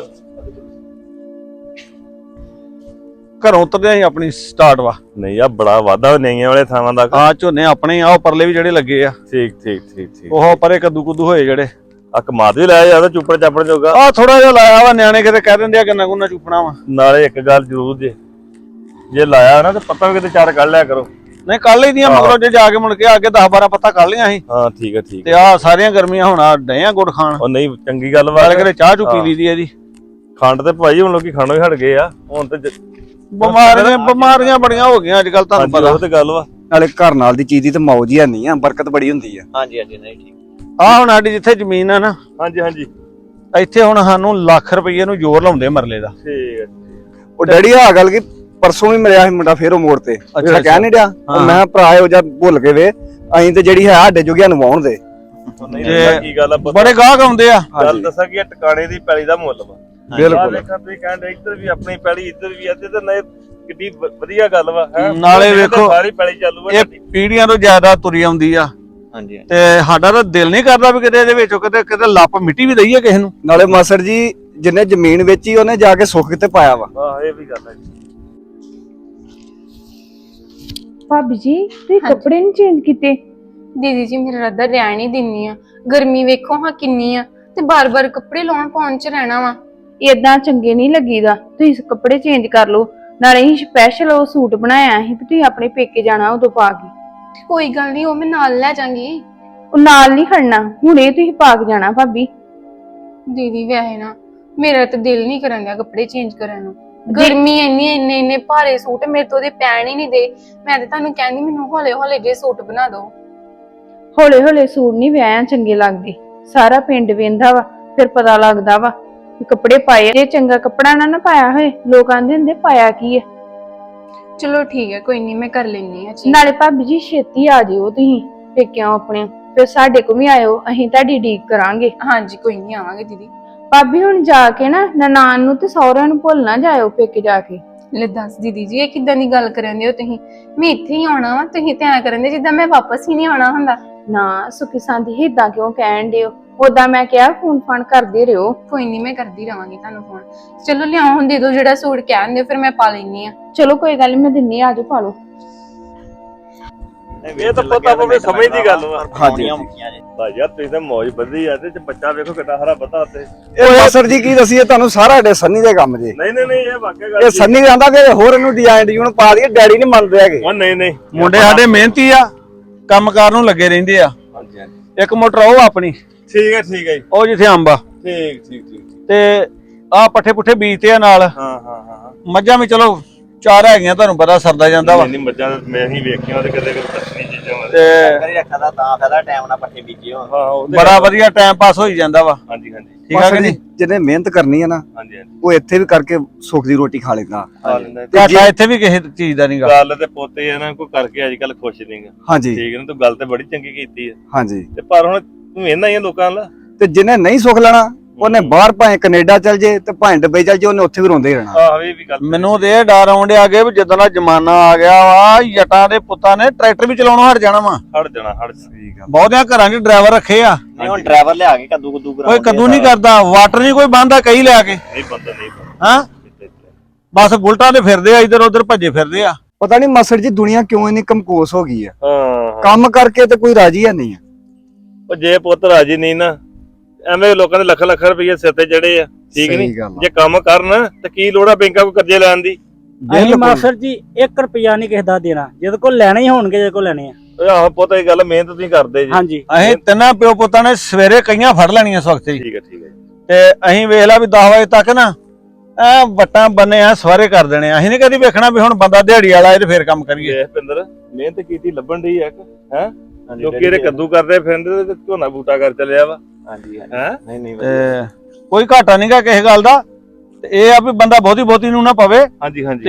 ਘਰੋਂ ਉਤਰਦੇ ਆਂ ਆਪਣੀ ਸਟਾਰਟ ਵਾ। ਨਹੀਂ ਆ ਬੜਾ ਵਾਧਾ ਨਈਆਂ ਵਾਲੇ ਥਾਵਾਂ ਦਾ। ਆ ਝੋਨੇ ਆਪਣੇ ਆ, ਉਹ ਪਰਲੇ ਵੀ ਜਿਹੜੇ ਲੱਗੇ ਆ। ਠੀਕ ਠੀਕ ਠੀਕ ਠੀਕ। ਉਹ ਪਰੇ ਕੱਦੂ ਕੁੱਦੂ ਹੋਏ ਜਿਹੜੇ। ਆ ਕਮਾਦ ਵੀ ਲਾਇਆ ਜਾਂਦਾ ਚੁੱਪੜ ਚਾਪੜ ਜੋਗਾ। ਆ ਥੋੜਾ ਜਿਹਾ ਲਾਇਆ ਵਾ, ਨਿਆਣੇ ਕਿਤੇ ਕਹਿ ਦਿੰਦੇ ਆ ਗੰਨਾ ਗੁੰਨਾ ਚੁੱਪਣਾ ਵਾ। ਨਾਲੇ ਇੱਕ ਗੱਲ ਜ਼ਰੂਰ ਜੇ ਲਾਇਆ ਨਾ ਤੇ ਪੱਤਾ ਵੀ ਕਿਤੇ 4 ਕੱਢ ਲਿਆ ਕਰੋ। ਨਹੀਂ ਕੱਲ ਹੀ ਦੀਆਂ ਮਗਰੋਂ ਜੇ ਜਾ ਕੇ ਮੁੜ ਕੇ ਅੱਗੇ 10-12 ਪੱਤਾ ਕੱਢ ਲਿਆ ਸੀ। ਹਾਂ ਠੀਕ ਹੈ ਠੀਕ ਤੇ ਆ ਸਾਰੀਆਂ ਗਰਮੀਆਂ ਹੁਣ ਡਏ ਆ ਗੁੜ ਖਾਣ। ਉਹ ਨਹੀਂ ਚੰਗੀ ਗੱਲ ਵਾ। ਨਾਲੇ ਕਿਤੇ ਚਾਹ ਚੁ ਪੀ ਲਈਦੀ ਇਹਦੀ। ਖੰਡ ਤੇ ਭਾਈ ਹੁਣ ਲੋਕੀ ਖਾਣੋਂ ਹੀ ਹਟ ਗਏ ਆ ਹੁਣ ਤੇ। ਬਿਮਾਰੀਆਂ ਬੜੀਆਂ ਹੋ ਗਈਆਂ ਅੱਜ ਕੱਲ, ਤੁਹਾਨੂੰ ਪਤਾ। ਉਹ ਤੇ ਗੱਲ ਵਾ। ਨਾਲੇ ਘਰ ਨਾਲ ਦੀ ਚੀਜ਼ ਦੀ ਤੇ ਮੌਜ ਹੀ ਨਹੀਂ ਆ, ਬਰਕਤ ਬੜੀ ਹੁੰਦੀ ਆ। ਹਾਂਜੀ ਹਾਂਜੀ ਨਹੀਂ ਠੀਕ। ਆ ਹੁਣ ਸਾਡੀ ਜਿੱਥੇ ਜ਼ਮੀਨ ਆ ਨਾ, ਹਾਂਜੀ ਹਾਂਜੀ ਇੱਥੇ ਹੁਣ ਸਾਨੂੰ ਲੱਖ ਰੁਪਏ ਨੂੰ ਜ਼ੋਰ ਲਾਉਂਦੇ ਮਰਲੇ ਦਾ। ਠੀਕ ਹੈ। ਉਹ ਡੈਡੀ ਆ ਗੱਲ ਕਿ ਪਰਸੋਂ ਵੀ ਮਿਲਿਆ ਸੀ ਮੁੰਡਾ ਫੇਰ ਉਹ ਮੋੜ ਤੇ। ਅੱਛਾ ਕਹਿ ਨਹੀਂ ਡਿਆ ਮੈਂ ਭਰਾ ਇਹੋ ਜਿਹਾ ਭੁੱਲ ਕੇ ਵੇ ਅਸੀਂ ਤੇ ਜਿਹੜੀ ਹੈ ਸਾਡੇ ਜੋਗਿਆਂ ਨੂੰ ਵਾਉਣ ਦੇ। ਕੀ ਗੱਲ ਆ ਬੜੇ ਗਾਹਕ ਆਉਂਦੇ ਆ। ਗੱਲ ਦੱਸਾਂ ਕਿ ਟਿਕਾਣੇ ਦੀ ਪੈਲੀ ਦਾ ਮੁੱਲ ਵਾ। ਬਿਲਕੁਲ। ਦੇਖਾਂ ਤੁਸੀਂ ਕਹਿੰਦੇ ਇੱਧਰ ਵੀ ਆਪਣੀ ਪੈਲੀ ਇੱਧਰ ਵੀ ਇੱਥੇ ਤੇ ਨਾ ਕਿੱਡੀ ਵਧੀਆ ਗੱਲ ਵਾ। ਨਾਲੇ ਵੇਖੋ ਸਾਰੀ ਪੈਲੀ ਚਾਲੂ ਇਹ ਪੀੜੀਆਂ ਤੋਂ ਜ਼ਿਆਦਾ ਤੁਰੀ ਆਉਂਦੀ ਆ। ਹਾਂਜੀ ਤੇ ਸਾਡਾ ਤਾਂ ਦਿਲ ਨਹੀਂ ਕਰਦਾ ਵੀ ਕਿਤੇ ਇਹਦੇ ਵਿੱਚੋਂ ਕਿਤੇ ਲੱਪ ਮਿੱਟੀ ਵੀ ਦਈਏ ਕਿਸੇ ਨੂੰ। ਨਾਲੇ ਮਾਸੜ ਜੀ ਜਿੰਨੇ ਜ਼ਮੀਨ ਵੇਚੀ ਉਹਨੇ ਜਾ ਕੇ ਸੁੱਖ ਕਿਤੇ ਪਾਇਆ ਵਾ। ਆਹ ਇਹ ਵੀ ਗੱਲ ਹੈ ਜੀ। ਭਾਬੀ ਜੀ ਤੁਸੀਂ ਕੱਪੜੇ ਨਹੀਂ ਚੇਂਜ ਕੀਤੇ? ਦੀਦੀ ਜੀ ਮੇਰਾ ਰੱਦਾ ਰਹਿਣ ਹੀ ਦਿੰਨੀ ਆ। ਗਰਮੀ ਵੇਖੋ ਹਾਂ ਕਿੰਨੀ ਆ, ਤੇ ਬਾਰ-ਬਾਰ ਕੱਪੜੇ ਲਾਉਣ ਪਾਉਣ ਚ ਰਹਿਣਾ ਵਾ। ਏਦਾਂ ਚੰਗੇ ਨਹੀਂ ਲੱਗੀਦਾ। ਤੁਸੀਂ ਕੱਪੜੇ ਚੇਂਜ ਕਰ ਲਓ। ਨਾਲੇ ਹੀ ਸਪੈਸ਼ਲ ਉਹ ਸੂਟ ਬਣਾਇਆ ਸੀ ਵੀ ਤੁਸੀਂ ਆਪਣੇ ਪੇਕੇ ਜਾਣਾ ਉਦੋਂ ਪਾ ਕੇ। ਕੋਈ ਗੱਲ ਨਹੀਂ, ਉਹ ਮੈਂ ਨਾਲ ਲੈ ਜਾਾਂਗੀ। ਉਹ ਨਾਲ ਨਹੀਂ ਖੜਨਾ, ਹੁਣੇ ਤੁਸੀਂ ਪਾ ਕੇ ਜਾਣਾ ਭਾਬੀ। ਦੀਦੀ ਵੈਸੇ ਨਾ ਮੇਰਾ ਤਾਂ ਦਿਲ ਨਹੀਂ ਕਰਨ ਡਿਆ ਕੱਪੜੇ ਚੇਂਜ ਕਰਨ ਨੂੰ। ਗਰਮੀ ਇੰਨੇ ਭਾਰੇ ਸੂਟ ਮੇਰੇ ਤੋਂ ਉਹਦੇ ਪੈਣ ਹੀ ਨਹੀਂ ਦੇ। ਮੈਂ ਤਾਂ ਤੁਹਾਨੂੰ ਕਹਿੰਦੀ ਮੈਨੂੰ ਹੌਲੇ ਜੇ ਸੂਟ ਬਣਾ ਦਿਓ। ਹੌਲੇ ਹੌਲੇ ਸੂਟ ਨਹੀਂ ਵਿਆਹਾਂ ਚੰਗੇ ਲੱਗਦੇ। ਸਾਰਾ ਪਿੰਡ ਵੇਂਦਾ ਵਾ, ਫਿਰ ਪਤਾ ਲੱਗਦਾ ਵਾ ਕਿ ਕੱਪੜੇ ਪਾਏ। ਜੇ ਚੰਗਾ ਕੱਪੜਾ ਨਾ ਪਾਇਆ ਹੋਏ ਲੋਕ ਆਂਦੇ ਹੁੰਦੇ ਪਾਇਆ ਕੀ ਹੈ। ਚਲੋ ਠੀਕ ਹੈ, ਕੋਈ ਨਹੀਂ ਮੈਂ ਕਰ ਲੈਣੀ ਆ। ਨਾਲੇ ਭਾਬੀ ਜੀ ਛੇਤੀ ਆ ਜਿਓ ਤੁਸੀਂ ਪੇਕਿਆਂ ਆਪਣੇ, ਫਿਰ ਸਾਡੇ ਕੋਲ ਵੀ ਆਇਓ, ਅਸੀਂ ਤੁਹਾਡੀ ਉਡੀਕ ਕਰਾਂਗੇ। ਹਾਂਜੀ ਕੋਈ ਨਹੀਂ ਆਵਾਂਗੇ ਦੀਦੀ। ਭਾਬੀ ਹੁਣ ਜਾ ਕੇ ਨਾ ਨਨਾਣ ਨੂੰ ਤੇ ਸਹੁਰਿਆਂ ਨੂੰ ਭੁੱਲ ਨਾ ਜਾਇਓ ਪੇਕੇ ਜਾ ਕੇ। ਲੈ ਦੱਸ ਦੀਦੀ ਜੀ ਇਹ ਕਿੱਦਾਂ ਦੀ ਗੱਲ ਕਰਨ ਦੇ ਹੋ ਤੁਸੀਂ? ਮੈਂ ਇੱਥੇ ਹੀ ਆਉਣਾ ਵਾ, ਤੁਸੀਂ ਤੇ ਐਂ ਕਰਨ ਦੇ ਜਿੱਦਾਂ ਮੈਂ ਵਾਪਸ ਹੀ ਨਹੀਂ ਆਉਣਾ ਹੁੰਦਾ। ਨਾ ਸੁਖੀ ਸਾਂਦੀ ਏਦਾਂ ਕਿਉਂ ਕਹਿਣ ਦਿਓ? ਉਦਾਂ ਮੈਂ ਕਿਹਾ ਫੋਨ ਫਾਨ ਕਰਦੇ ਰਹੋ। ਕੋਈ ਨਹੀਂ, ਮੈਂ ਕਰਦੀ ਰਵਾਂਗੀ ਤੁਹਾਨੂੰ ਫੋਨ। ਚਲੋ ਲਿਆਓ ਹੁਣ, ਦੇ ਦਿਓ ਜਿਹੜਾ ਸੂਟ ਕਹਿੰਦੇ ਫਿਰ ਮੈਂ ਪਾ ਲੈਣੀ ਆ। ਚਲੋ ਕੋਈ ਗੱਲ ਨੀ, ਮੈਂ ਦਿੰਨੀ ਆ, ਆਜੋ ਪਾ ਲਓ। ਇਹ ਤਾਂ ਪਤਾ ਆਪਣੇ ਸਮਝ ਦੀ ਗੱਲ ਵਾ। ਹਾਂਜੀ ਭਾਈ ਯਾਰ ਤੁਸੀਂ ਤਾਂ ਮੌਜ ਬੱਧੀ ਆ ਤੇ ਬੱਚਾ ਵੇਖੋ ਕਿੰਨਾ ਹਰਾ ਬੱਧਾ ਤੇ। ਇਹ ਮਾਸਟਰ ਜੀ ਕੀ ਦਸੀਏ ਤੁਹਾਨੂੰ, ਸਾਰਾ ਡੇ ਸੰਨੀ ਦੇ ਕੰਮ ਜੇ। ਨਹੀਂ ਇਹ ਵਾਕਿਆ ਗੱਲ ਇਹ ਸੰਨੀ ਕਹਿੰਦਾ ਕਿ ਹੋਰ ਇਹਨੂੰ ਡਿਜ਼ਾਈਨ ਪਾ ਦਈਏ, ਡੈਡੀ ਨਹੀਂ ਮੰਨਦੇ ਹੈਗੇ। ਉਹ ਨਹੀਂ ਮੁੰਡੇ ਸਾਡੇ ਮਿਹਨਤੀ ਆ, ਕੰਮਕਾਰ ਨੂੰ ਲੱਗੇ ਰਹਿੰਦੇ ਆ। ਹਾਂਜੀ ਇੱਕ ਮੋਟਰ ਉਹ ਆਪਣੀ ਠੀਕ ਹੈ ਜੀ। ਉਹ ਜਿੱਥੇ ਅੰਬ ਆ ਠੀਕ ਤੇ ਆ ਪੱਠੇ ਪੁੱਠੇ ਬੀਜਤੇ ਆ ਨਾਲ। ਹਾਂ ਮੱਝਾਂ ਵੀ ਚਲੋ 4 ਹੈਗੀਆਂ, ਤੁਹਾਨੂੰ ਪਤਾ ਸਰਦਾ ਜਾਂਦਾ ਵਾ। ਨਹੀਂ ਮੱਝਾਂ ਮੈਂ ਹੀ ਵੇਖੀਆਂ ਤੇ ਕਦੇ ਦੱਸਣੀ ਚੀਜ਼ਾਂ ਤੇ ਕਰੀ ਰੱਖਾ ਦਾ ਤਾਂ ਫਾਇਦਾ ਟਾਈਮ ਨਾਲ ਪੱਠੇ ਬੀਜੇ ਹੋਣ। ਹਾਂ ਉਹ ਬੜਾ ਵਧੀਆ ਟਾਈਮ ਪਾਸ ਹੋਈ ਜਾਂਦਾ ਵਾ। ਹਾਂਜੀ ਠੀਕ ਆ ਕਿ ਨਹੀਂ? ਜਿਹਨੇ ਮਿਹਨਤ ਕਰਨੀ ਹੈ ਨਾ, ਹਾਂਜੀ ਉਹ ਇੱਥੇ ਵੀ ਕਰਕੇ ਸੁੱਖ ਦੀ ਰੋਟੀ ਖਾ ਲੈਂਦਾ। ਘਾਟਾ ਇੱਥੇ ਵੀ ਕਿਸੇ ਚੀਜ਼ ਦਾ ਨਹੀਂਗਾ। ਗੱਲ ਤੇ ਪੋਤੇ ਇਹਨਾਂ ਕੋਈ ਕਰਕੇ ਅੱਜ ਕੱਲ ਖੁਸ਼ ਨਹੀਂਗਾ। ਹਾਂਜੀ ਠੀਕ ਹੈ ਨਾ, ਤੂੰ ਗੱਲ ਤੇ ਬੜੀ ਚੰਗੀ ਕੀਤੀ ਹੈ। ਹਾਂਜੀ ਤੇ ਪਰ ਹੁਣ ਤੂੰ ਇਹਨਾਂ ਹੀ ਲੋਕਾਂ ਨਾਲ ਤੇ ਜਿਹਨੇ ਨਹੀਂ ਸੁੱਖ ਲੈਣਾ, ਉਹਨੇ ਬਾਹਰ ਭਾਵੇਂ ਕੈਨੇਡਾ ਚਲ ਜੇ ਤੇ ਭਾਵੇਂ ਦੁਬਈ ਚਲ ਜੇ, ਉਹਨੇ ਉੱਥੇ ਵੀ ਰੋਂਦੇ ਹੀ ਰਹਿਣਾ। ਆਹ ਇਹ ਵੀ ਗੱਲ ਮੈਨੂੰ ਤੇ ਇਹ ਡਰ ਆਉਂਦੇ ਆ ਗਏ ਵੀ ਜਦੋਂ ਦਾ ਜ਼ਮਾਨਾ ਆ ਗਿਆ ਵਾ, ਜੱਟਾਂ ਦੇ ਪੁੱਤਾਂ ਨੇ ਟਰੈਕਟਰ ਵੀ ਚਲਾਉਣੋਂ ਹਟ ਜਾਣਾ ਵਾ। ਹਟ ਜਾਣਾ। ਬਹੁਤਿਆਂ ਘਰਾਂ 'ਚ ਡਰਾਈਵਰ ਰੱਖੇ ਆ। ਨਹੀਂ ਹੁਣ ਡਰਾਈਵਰ ਲਿਆ ਕੇ ਕੱਦੂ ਕੋਈ ਕਦੂ ਨਹੀਂ ਕਰਦਾ, ਵਾਟਰ ਨਹੀਂ ਕੋਈ ਬੰਦਾ ਕਈ ਲਿਆ ਕੇ। ਨਹੀਂ ਬੰਦਾ ਹਾਂ ਬਸ ਬੁਲਟਾਂ ਤੇ ਫਿਰਦੇ ਆ, ਇੱਧਰ ਉੱਧਰ ਭੱਜੇ ਫਿਰਦੇ ਆ। ਪਤਾ ਨਹੀਂ ਮਾਸਟਰ ਜੀ ਦੁਨੀਆ ਕਿਉਂ ਇੰਨੀ ਕਮਕੋਸ ਹੋ ਗਈ ਆ। ਹਾਂ ਕੰਮ ਕਰਕੇ ਤੇ ਕੋਈ ਰਾਜੀ ਹੈ ਨਹੀਂ ਆ। ਉਹ ਜੇ ਪੁੱਤ ਰਾਜੀ ਨਹੀਂ ਨਾ, ਐਵੇਂ ਲੋਕਾਂ ਦੇ ਲੱਖ ਰੁਪਏ ਸਿਰ ਤੇ ਜੜੇ ਆ। ਠੀਕ ਸਹੀ ਨਹੀਂ, ਗੱਲ ਆ। ਜੇ ਕੰਮ ਕਰਨ ਤੇ ਕੀ ਲੋੜ ਆ ਬੈਂਕਾਂ ਕੋ ਕਰਜ਼ੇ ਲੈਣ ਦੀ। ਅਸੀਂ ਮਾਸਟਰ ਜੀ 1 ਰੁਪਿਆ ਨਹੀਂ ਕਿਸੇ ਦਾ ਦੇਣਾ, ਜਿਹਦੇ ਕੋਲ ਲੈਣੇ ਹੀ ਹੋਣਗੇ, ਜਿਹਦੇ ਕੋਲ ਲੈਣੇ ਆ। ਓਏ ਆਹ ਪੁੱਤ ਇਹ ਗੱਲ ਮਿਹਨਤ ਤੁਸੀਂ ਕਰਦੇ ਜੀ। ਹਾਂਜੀ ਅਸੀਂ ਤਿੰਨਾਂ ਪਿਓ ਪੁੱਤਾਂ ਨੇ ਸਵੇਰੇ ਕਈਆਂ ਫੜ ਲੈਣੀਆਂ ਇਸ ਵਕਤ ਹੀ। ਠੀਕ ਹੈ ਤੇ ਅਸੀਂ ਵੇਖ ਲਾ ਵੀ 10 ਵਜੇ ਤੱਕ ਨਾ ਐ ਵੱਟਾਂ ਬੰਨੇ ਆ ਸਵਾਰੇ ਕਰ ਦੇਣੇ ਆ। ਅਸੀਂ ਨੀ ਕਦੀ ਵੇਖਣਾ ਵੀ ਹੁਣ ਬੰਦਾ ਦਿਹਾੜੀ ਵਾਲਾ ਇਹ ਤੇ ਫੇਰ ਕੰਮ ਕਰੀਏ। ਇਹ ਪਿੰਦਰ ਮਿਹਨਤ ਕੀਤੀ ਲੱਭਣ ਦੀ ਹੈ ਹੈ। ਲੋਕੀ ਇਹਦੇ ਕੱਦੂ ਕਰਦੇ ਫਿਰਦੇ ਤੇ ਝੋਨਾ ਬੂਟਾ ਕਰ ਚੱਲਿਆ ਵਾ। ਹਾਂਜੀ ਹੈ ਨਹੀਂ ਤੇ ਕੋਈ ਘਾਟਾ ਨਹੀਂਗਾ ਕਿਸੇ ਗੱਲ ਦਾ। ਤੇ ਇਹ ਆ ਵੀ ਬੰਦਾ ਬਹੁਤੀ ਨੂੰ ਨਾ ਪਵੇ ਹਾਂਜੀ ਤੇ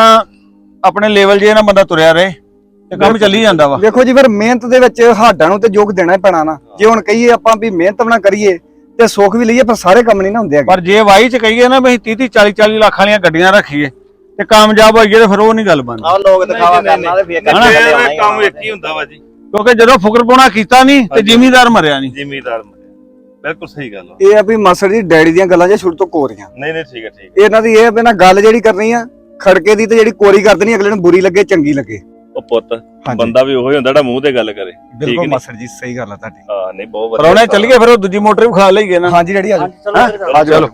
ਆਪਣੇ ਲੈਵਲ ਜੇ ਨਾ ਬੰਦਾ ਤੁਰਿਆ ਰਹੇ ਤੇ ਕੰਮ ਚੱਲੀ ਜਾਂਦਾ ਵਾ। ਦੇਖੋ ਜੀ ਫਿਰ ਮਿਹਨਤ ਦੇ ਵਿੱਚ ਹਾਡਾਂ ਨੂੰ ਤੇ ਯੋਗ ਦੇਣਾ ਹੀ ਪੈਣਾ ਨਾ। ਜੇ ਹੁਣ ਕਹੀਏ ਆਪਾਂ ਵੀ ਮਿਹਨਤ ਨਾ ਕਰੀਏ ਤੇ ਸੁੱਖ ਵੀ ਲਈਏ, ਪਰ ਸਾਰੇ ਕੰਮ ਨਹੀਂ ਨਾ ਹੁੰਦੇ। ਪਰ ਜੇ ਵਾਈ ਚ ਕਹੀਏ ਨਾ ਵੀ 30 40 ਲੱਖ ਵਾਲੀਆਂ ਗੱਡੀਆਂ ਰੱਖੀਏ ਤੇ ਕਾਮਯਾਬ ਹੋਈਏ ਤੇ ਫਿਰ ਉਹ ਨਹੀਂ ਗੱਲ ਬਣਦੀ। ਆਹ ਲੋਕ ਦਿਖਾਵਾ ਕਰਨਾ ਤੇ ਫੇਰ ਕੰਮ ਇੱਕ ਹੀ ਹੁੰਦਾ ਵਾ ਜੀ। ਕਿਉਂਕਿ ਜਦੋਂ ਫੁਕਰਪੁਣਾ ਕੀਤਾ ਨਹੀਂ ਤੇ ਜ਼ਿਮੀਂਦਾਰ ਮਰਿਆ ਨਹੀਂ। ਜ਼ਿਮੀਂਦਾਰ ਬਿਲਕੁਲ ਸਹੀ ਗੱਲ ਆ। ਇਹ ਆ ਵੀ ਮਾਸਟਰ ਜੀ ਡੈਡੀ ਦੀਆਂ ਗੱਲਾਂ ਜੇ ਸ਼ੁਰੂ ਤੋਂ ਕੋਰੀਆਂ। ਨਹੀਂ ਠੀਕ ਹੈ ਇਹਨਾਂ ਦੀ ਇਹ ਵੀ ਨਾ ਗੱਲ ਜਿਹੜੀ ਕਰਨੀ ਆ ਖੜਕੇ ਦੀ, ਤੇ ਜਿਹੜੀ ਕੋਰੀ ਕਰ ਦੇਣੀ ਅਗਲੇ ਨੂੰ ਬੁਰੀ ਲੱਗੇ ਚੰਗੀ ਲੱਗੇ। ਉਹ ਪੁੱਤ ਬੰਦਾ ਵੀ ਉਹੀ ਹੁੰਦਾ ਜਿਹੜਾ ਮੂੰਹ ਤੇ ਗੱਲ ਕਰੇ। ਬਿਲਕੁਲ ਮਾਸਟਰ ਜੀ ਸਹੀ ਗੱਲ ਆ ਤੁਹਾਡੀ। ਹਾਂ ਨਹੀਂ ਬਹੁਤ ਵਧੀਆ। ਪਰੌਣੇ ਚੱਲੀਏ ਫਿਰ ਉਹ ਦੂਜੀ ਮੋਟਰ ਵੀ ਖਾ ਲਈਏ ਨਾ। ਹਾਂਜੀ ਡੈਡੀ ਆਜੋ ਚਲੋ।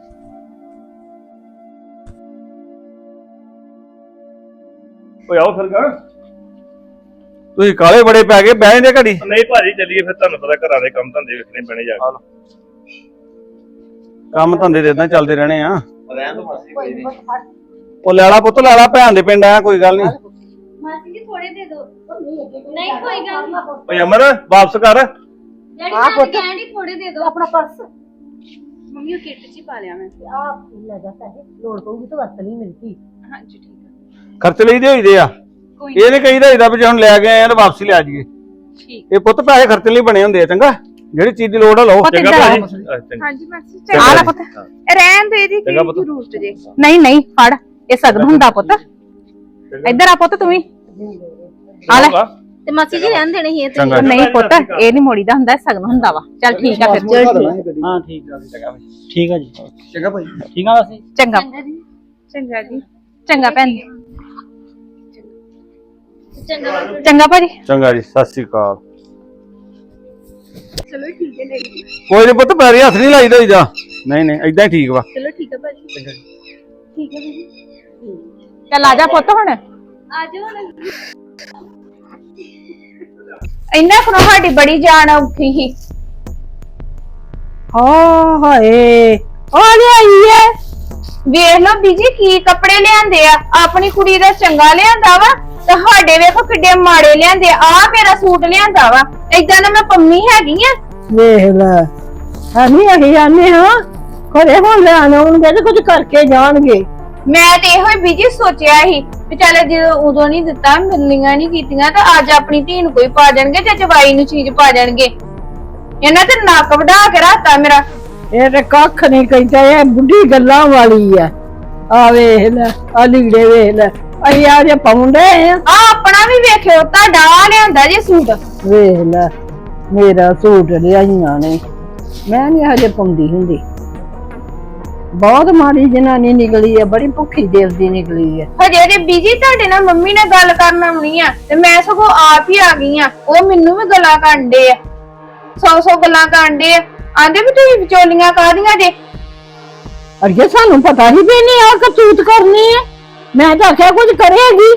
ਓਏ ਆਓ ਫਿਰ ਗਾ। ਤੁਸੀਂ ਕਾਲੇ ਬੜੇ ਪੈ ਗਏ, ਬਹਿ ਜਾਂਦੇ ਘੜੀ। ਨਹੀਂ ਭਾਜੀ ਚੱਲੀਏ ਫਿਰ, ਤੁਹਾਨੂੰ ਪਤਾ ਘਰਾਂ ਦੇ ਕੰਮ ਧੰਦੇ ਵੇਖਣੇ ਪੈਣੇ ਜਾ ਕੇ। ਕੰਮ ਧੰਦੇ ਤੇ ਇਦਾਂ ਚੱਲਦੇ ਰਹਿਣੇ ਆ। ਰਹਿਣ ਦੋ ਮਾਸੀ ਉਹ ਲੈਲਾ ਪੁੱਤ ਲੈਲਾ, ਭੈਣ ਦੇ ਪਿੰਡ ਆ, ਕੋਈ ਗੱਲ ਨਹੀਂ। ਮਾਸੀ ਜੀ ਥੋੜੇ ਦੇ ਦਿਓ। ਨਹੀਂ ਕੋਈ ਗੱਲ ਨਹੀਂ। ਓਏ ਅਮਰ ਵਾਪਸ ਕਰ। ਡੈਡੀ ਮੈਂ ਕਹਿੰਦੀ ਥੋੜੇ ਦੇ ਦਿਓ। ਆਪਣਾ ਪਰਸ ਮੰਮੀ ਉਹ ਕਿੱਟ 'ਚ ਹੀ ਪਾ ਲਿਆ ਮੈਂ। ਆਪ ਲੈ ਜਾ ਪੈਸੇ, ਲੋੜ ਪਊਗੀ ਤਾਂ ਵਰਤ ਲਈ ਮਿਲਦੀ। ਹਾਂਜੀ ਠੀਕ ਆ। ਖਰਚ ਲਈਦੇ ਹੋਈਦੇ ਆ। ਇਹ ਨੀ ਕਹੀਦਾ ਇਹਦਾ ਵੀ ਜੇ ਹੁਣ ਲੈ ਕੇ ਆਏ ਆ ਤਾਂ ਵਾਪਸੀ ਲੈ ਜਾਈਏ। ਠੀਕ। ਇਹ ਪੁੱਤ ਪੈਸੇ ਖਰਚਣ ਲਈ ਬਣੇ ਹੁੰਦੇ ਆ। ਚੰਗਾ ਜਿਹੜੀ ਚੀਜ਼ ਦੀ ਲੋੜ ਆ ਲਓ। ਚੰਗਾ ਭਾਜੀ। ਹਾਂਜੀ ਮਾਸੀ ਚੰਗਾ ਪੁੱਤ ਰਹਿਣ ਦੇ ਦੀ ਕੀ ਜ਼ਰੂਰਤ ਜੇ। ਨਹੀਂ ਫੜ, ਇਹ ਸਗਨ ਹੁੰਦਾ ਪੁੱਤ। ਇੱਧਰ ਆ ਪੁੱਤ ਤੂੰ ਵੀ ਆ ਲੈ। ਤੇ ਮਾਸੀ ਜੀ ਰਹਿਣ ਦੇਣੇ ਸੀ ਇਹ ਤੇ। ਨਹੀਂ ਪੁੱਤ ਇਹ ਨਹੀਂ ਮੋੜੀ ਦਾ ਹੁੰਦਾ, ਸਗਨ ਹੁੰਦਾ ਵਾ। ਚੱਲ ਠੀਕ ਆ ਫਿਰ। ਹਾਂ ਠੀਕ ਆ ਠੀਕ ਆ ਜੀ। ਚੰਗਾ ਭਾਈ। ਠੀਕ ਆ ਵੈਸੇ। ਚੰਗਾ ਚੰਗਾ ਜੀ। ਚੰਗਾ ਭੈਣ ਜੀ। ਚੰਗਾ ਚੰਗਾ ਭਾਜੀ। ਚੰਗਾ ਜੀ, ਸਤਿ ਸ੍ਰੀ ਅਕਾਲ। ਚਲੋ ਠੀਕ ਹੈ ਨਹੀਂ। ਕੋਈ ਨੀ ਪੁੱਤ, ਪੈਰੀ ਹੱਥ ਨਹੀਂ ਲਾਈਦਾ ਹੋਈਦਾ। ਨਹੀਂ ਏਦਾਂ ਹੀ ਠੀਕ ਵਾ। ਚਲੋ ਠੀਕ ਹੈ ਭਾਜੀ। ਠੀਕ ਹੈ ਜੀ। ਚੱਲ ਆ ਜਾ ਪੁੱਤ ਹੁਣ। ਆ ਜਾਓ ਹੁਣ। ਇੰਨਾ ਕੋਲ ਸਾਡੀ ਬੜੀ ਜਾਨ ਔਖੀ ਸੀ। ਹਾਏ ਆ ਲਈ ਹੈ। ਵੇਖ ਲਓ ਬੀਜੀ ਕੀ ਕੱਪੜੇ ਲਿਆਂਦੇ ਆ। ਆਪਣੀ ਕੁੜੀ ਦਾ ਚੰਗਾ ਲਿਆਂਦਾ ਵਾ ਤੇ ਸਾਡੇ ਵੇਖੋ ਕਿੱਡੇ ਮਾੜੇ ਲਿਆਂਦੇ ਆ। ਮੇਰਾ ਸੂਟ ਲਿਆਂਦਾ ਵਾ, ਏਦਾਂ ਨਾ ਮੈਂ ਪੰਮੀ ਹੈਗੀ ਆ। ਵੇਖ ਲੈ ਅਸੀਂ ਆਨੇ ਹਾਂ ਘਰੇ ਹੁਣ ਲੈਣ ਆਉਣਗੇ ਤੇ ਕੁਝ ਕਰਕੇ ਜਾਣਗੇ। ਮੈਂ ਤੇ ਇਹੋ ਹੀ ਬੀਜੀ ਸੋਚਿਆ ਸੀ ਵੀ ਚੱਲ ਜਦੋਂ ਉਦੋਂ ਨਹੀਂ ਦਿੱਤਾ, ਮਿਲਣੀਆਂ ਨਹੀਂ ਕੀਤੀਆਂ ਤਾਂ ਅੱਜ ਆਪਣੀ ਧੀ ਨੂੰ ਕੋਈ ਪਾ ਜਾਣਗੇ ਤੇ ਜਵਾਈ ਨੂੰ ਚੀਜ਼ ਪਾ ਜਾਣਗੇ। ਇਹਨਾਂ ਤੇ ਨੱਕ ਵਢਾ ਕੇ ਰੱਖਤਾ ਮੇਰਾ। ਇਹ ਤੇ ਕੱਖ ਨਹੀਂ ਕਹਿੰਦਾ, ਇਹ ਬੁੱਢੀ ਗੱਲਾਂ ਵਾਲੀ ਆ। ਆ ਵੇਖ ਲੈ ਆ ਲੀੜੇ ਵੇਖ ਲੈ, ਅਸੀਂ ਆ ਜੇ ਪਾਉਂਦੇ ਆ। ਆਪਣਾ ਵੀ ਵੇਖਿਓ, ਤੁਹਾਡਾ ਆ ਲਿਆਂਦਾ ਜੇ ਸੂਟ। ਵੇਖ ਲੈ ਮੇਰਾ ਸੂਟ ਲਿਆਈਆਂ ਨੇ ਮੈਂ ਨਹੀਂ ਹਜੇ ਪਾਉਂਦੀ ਹੁੰਦੀ। ਬਹੁਤ ਮਾੜੀ ਜਨਾਨੀ ਨਿਕਲੀ ਹੈ, ਬੜੀ ਭੁੱਖੀ ਦਿਲ ਦੀ ਨਿਕਲੀ ਹੈ। ਹਜੇ ਤੇ ਬੀਜੀ ਤੁਹਾਡੇ ਨਾਲ ਮੰਮੀ ਨਾਲ ਗੱਲ ਕਰਨ ਆਉਣੀ ਆ ਤੇ ਮੈਂ ਸਗੋਂ ਆਪ ਹੀ ਆ ਗਈ ਆ। ਉਹ ਮੈਨੂੰ ਵੀ ਗੱਲਾਂ ਕਰਦੇ ਆ, 100 ਗੱਲਾਂ ਕਰਦੇ ਆ। ਆਂਦੇ ਵੀ ਤੁਸੀਂ ਵਿਚੋਲੀਆਂ ਕਾਹਦੀਆਂ ਜੇ। ਅਰਗੇ ਸਾਨੂੰ ਪਤਾ ਨਹੀਂ ਵੀ ਇਹਨੇ ਆ ਕਰਤੂਤ ਕਰਨੀ ਹੈ। ਮੈਂ ਤਾਂ ਆਖਿਆ ਕੁਝ ਕਰੇਗੀ।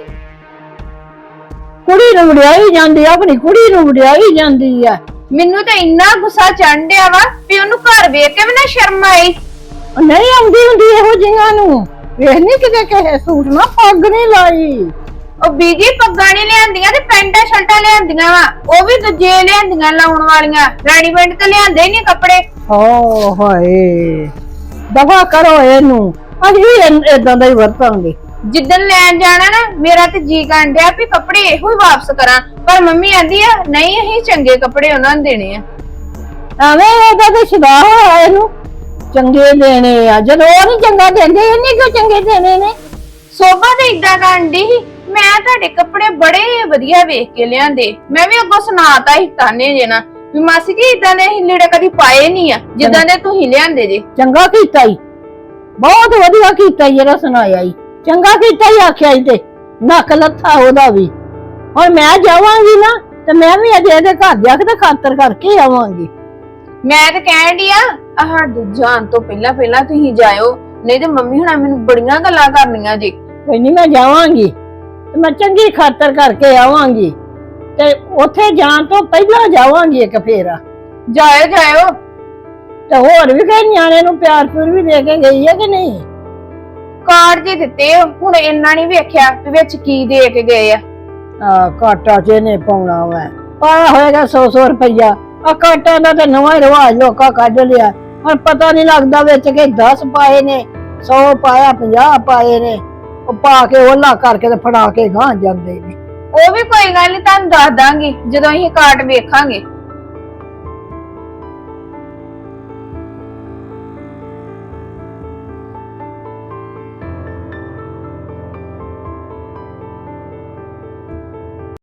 ਕੁੜੀ ਨੂੰ ਵਡਿਆਈ ਜਾਂਦੀ ਆ, ਆਪਣੀ ਕੁੜੀ ਨੂੰ ਵਡਿਆਈ ਜਾਂਦੀ ਆ। ਮੈਨੂੰ ਤਾਂ ਇੰਨਾ ਗੁੱਸਾ ਚੜ੍ਹ ਡਿਆ ਵਾ ਵੀ ਉਹਨੂੰ ਘਰ ਵੇਖ ਕੇ ਵੀ ਨਾ ਸ਼ਰਮ ਆਈ। ਉਹ ਨਹੀਂ ਆਉਂਦੀ ਹੁੰਦੀ ਇਹੋ ਜਿਹੀਆਂ ਨੂੰ। ਵੇਖ ਨਹੀਂ ਕਿਤੇ ਕਿਸੇ ਸੂਟ ਨਾ ਪੱਗ ਨਹੀਂ ਲਾਈ। ਉਹ ਬੀਜੀ ਪੱਗਾਂ ਨਹੀਂ ਲਿਆਂਦੀਆਂ ਤੇ ਪੈਂਟਾਂ ਸ਼ਰਟਾਂ ਲਿਆਂਦੀਆਂ ਵਾ, ਉਹ ਵੀ ਦੂਜੇ ਲਿਆਂਦੀਆਂ ਲਾਉਣ ਵਾਲੀਆਂ। ਰੈਡੀਮੇਡ ਤਾਂ ਲਿਆਂਦੇ ਹੀ ਨਹੀਂ ਕੱਪੜੇ। ਓ ਹਾਏ, ਦਫਾ ਕਰੋ ਇਹਨੂੰ। ਅਸੀਂ ਵੀ ਏਦਾਂ ਦਾ ਹੀ ਵਰਤਾਂਗੇ। ਜਿੱਦਣ ਲੈਣ ਜਾਣਾ ਨਾ ਮੇਰਾ ਤੇ ਜੀ ਕਰਨ ਡਿਆ ਵੀ ਕੱਪੜੇ ਇਹੋ ਹੀ ਵਾਪਸ ਕਰਾਂ, ਪਰ ਮੰਮੀ ਆਂਦੀ ਆ ਨਹੀਂ ਅਸੀਂ ਚੰਗੇ ਕੱਪੜੇ ਉਹਨਾਂ ਨੂੰ ਦੇਣੇ ਆ। ਐਵੇਂ ਇਹਦਾ ਤੇ ਸ਼ਿਦਾ ਹੋਇਆ ਇਹਨੂੰ ਚੰਗੇ ਦੇਣੇ ਆ, ਜਦੋਂ ਉਹ ਨਹੀਂ ਚੰਗਾ ਦਿੰਦੇ ਇਹਨੇ ਕਿਉਂ ਚੰਗੇ ਦੇਣੇ ਨੇ। ਸੋਭਾ ਤੇ ਇਦਾਂ ਕਰਨ ਡਈ ਸੀ, ਮੈਂ ਤੁਹਾਡੇ ਕੱਪੜੇ ਬੜੇ ਵਧੀਆ ਵੇਖ ਕੇ ਲਿਆਂਦੇ। ਮੈਂ ਵੀ ਅੱਗੋਂ ਸੁਣਾਤਾ ਸੀ ਤਾਨੇ ਜੇ ਨਾ ਵੀ ਮਾਸੀ ਜੀ ਇਦਾਂ ਦੇ ਅਸੀਂ ਲੀੜੇ ਕਦੀ ਪਾਏ ਨਹੀਂ ਆ ਜਿੱਦਾਂ ਦੇ ਤੁਸੀਂ ਲਿਆਂਦੇ ਜੇ। ਚੰਗਾ ਕੀਤਾ ਈ, ਬਹੁਤ ਵਧੀਆ ਕੀਤਾ ਈ, ਜਿਹੜਾ ਸੁਣਾਇਆ ਈ ਚੰਗਾ ਕੀਤਾ ਈ। ਆਖਿਆ ਈ ਤੇ ਨੱਕ ਲੱਥਾ ਉਹਦਾ ਵੀ। ਹੁਣ ਮੈਂ ਜਾਵਾਂਗੀ ਨਾ ਤੇ ਮੈਂ ਵੀ ਅਜੇ ਇਹਦੇ ਘਰ ਜਾ ਕੇ ਤੇ ਖਾਤਰ ਕਰਕੇ ਆਵਾਂਗੀ। ਮੈਂ ਤੇ ਕਹਿਣ ਡਈ ਆ ਸਾਡੇ ਜਾਣ ਤੋਂ ਪਹਿਲਾਂ ਤੁਸੀਂ ਜਾਇਓ, ਨਹੀਂ ਤੇ ਮੰਮੀ ਹੁਣਾਂ ਮੈਨੂੰ ਬੜੀਆਂ ਗੱਲਾਂ ਕਰਨੀਆਂ ਜੀ। ਕੋਈ ਨਹੀਂ ਮੈਂ ਜਾਵਾਂਗੀ ਤੇ ਮੈਂ ਚੰਗੀ ਖਾਤਰ ਕਰਕੇ ਆਵਾਂਗੀ ਤੇ ਉੱਥੇ ਜਾਣ ਤੋਂ ਪਹਿਲਾਂ ਜਾਵਾਂਗੀ ਇੱਕ ਫੇਰਾ। ਜਾਇਓ ਤੇ ਹੋਰ ਵੀ ਕਈ ਨਿਆਣੇ ਨੂੰ ਪਿਆਰ ਪੁਰ ਵੀ ਦੇ ਕੇ ਗਈ ਹੈ ਕਿ ਨਹੀਂ। ਕਾਰਡ ਜੀ ਦਿੱਤੇ ਹੁਣ ਇੰਨਾ ਨਹੀਂ ਵੇਖਿਆ ਵੀ ਵਿੱਚ ਕੀ ਦੇ ਕੇ ਗਏ ਆ। ਕਾਟਾ ਚ ਇਹਨੇ ਪਾਉਣਾ ਵਾ, ਪਾਇਆ ਹੋਏਗਾ 100 ਰੁਪਈਆ। ਆ ਕਾਟਾ ਦਾ ਤੇ ਨਵਾਂ ਹੀ ਰਿਵਾਜ ਲੋਕਾਂ ਕੱਢ ਲਿਆ। ਹੁਣ ਪਤਾ ਨਹੀਂ ਲੱਗਦਾ ਵਿੱਚ ਕਿ 10 ਪਾਏ ਨੇ, 100 ਪਾਇਆ, 50 ਪਾਏ ਨੇ। ਉਹ ਪਾ ਕੇ ਉਹਲਾ ਕਰਕੇ ਤੇ ਫੜਾ ਕੇ ਗਾਂ ਜਾਂਦੇ ਨੇ। ਉਹ ਵੀ ਕੋਈ ਗੱਲ ਨਹੀਂ ਤੁਹਾਨੂੰ ਦੱਸ ਦਾਂਗੀ ਜਦੋਂ ਅਸੀਂ ਕਾਰਡ ਵੇਖਾਂਗੇ।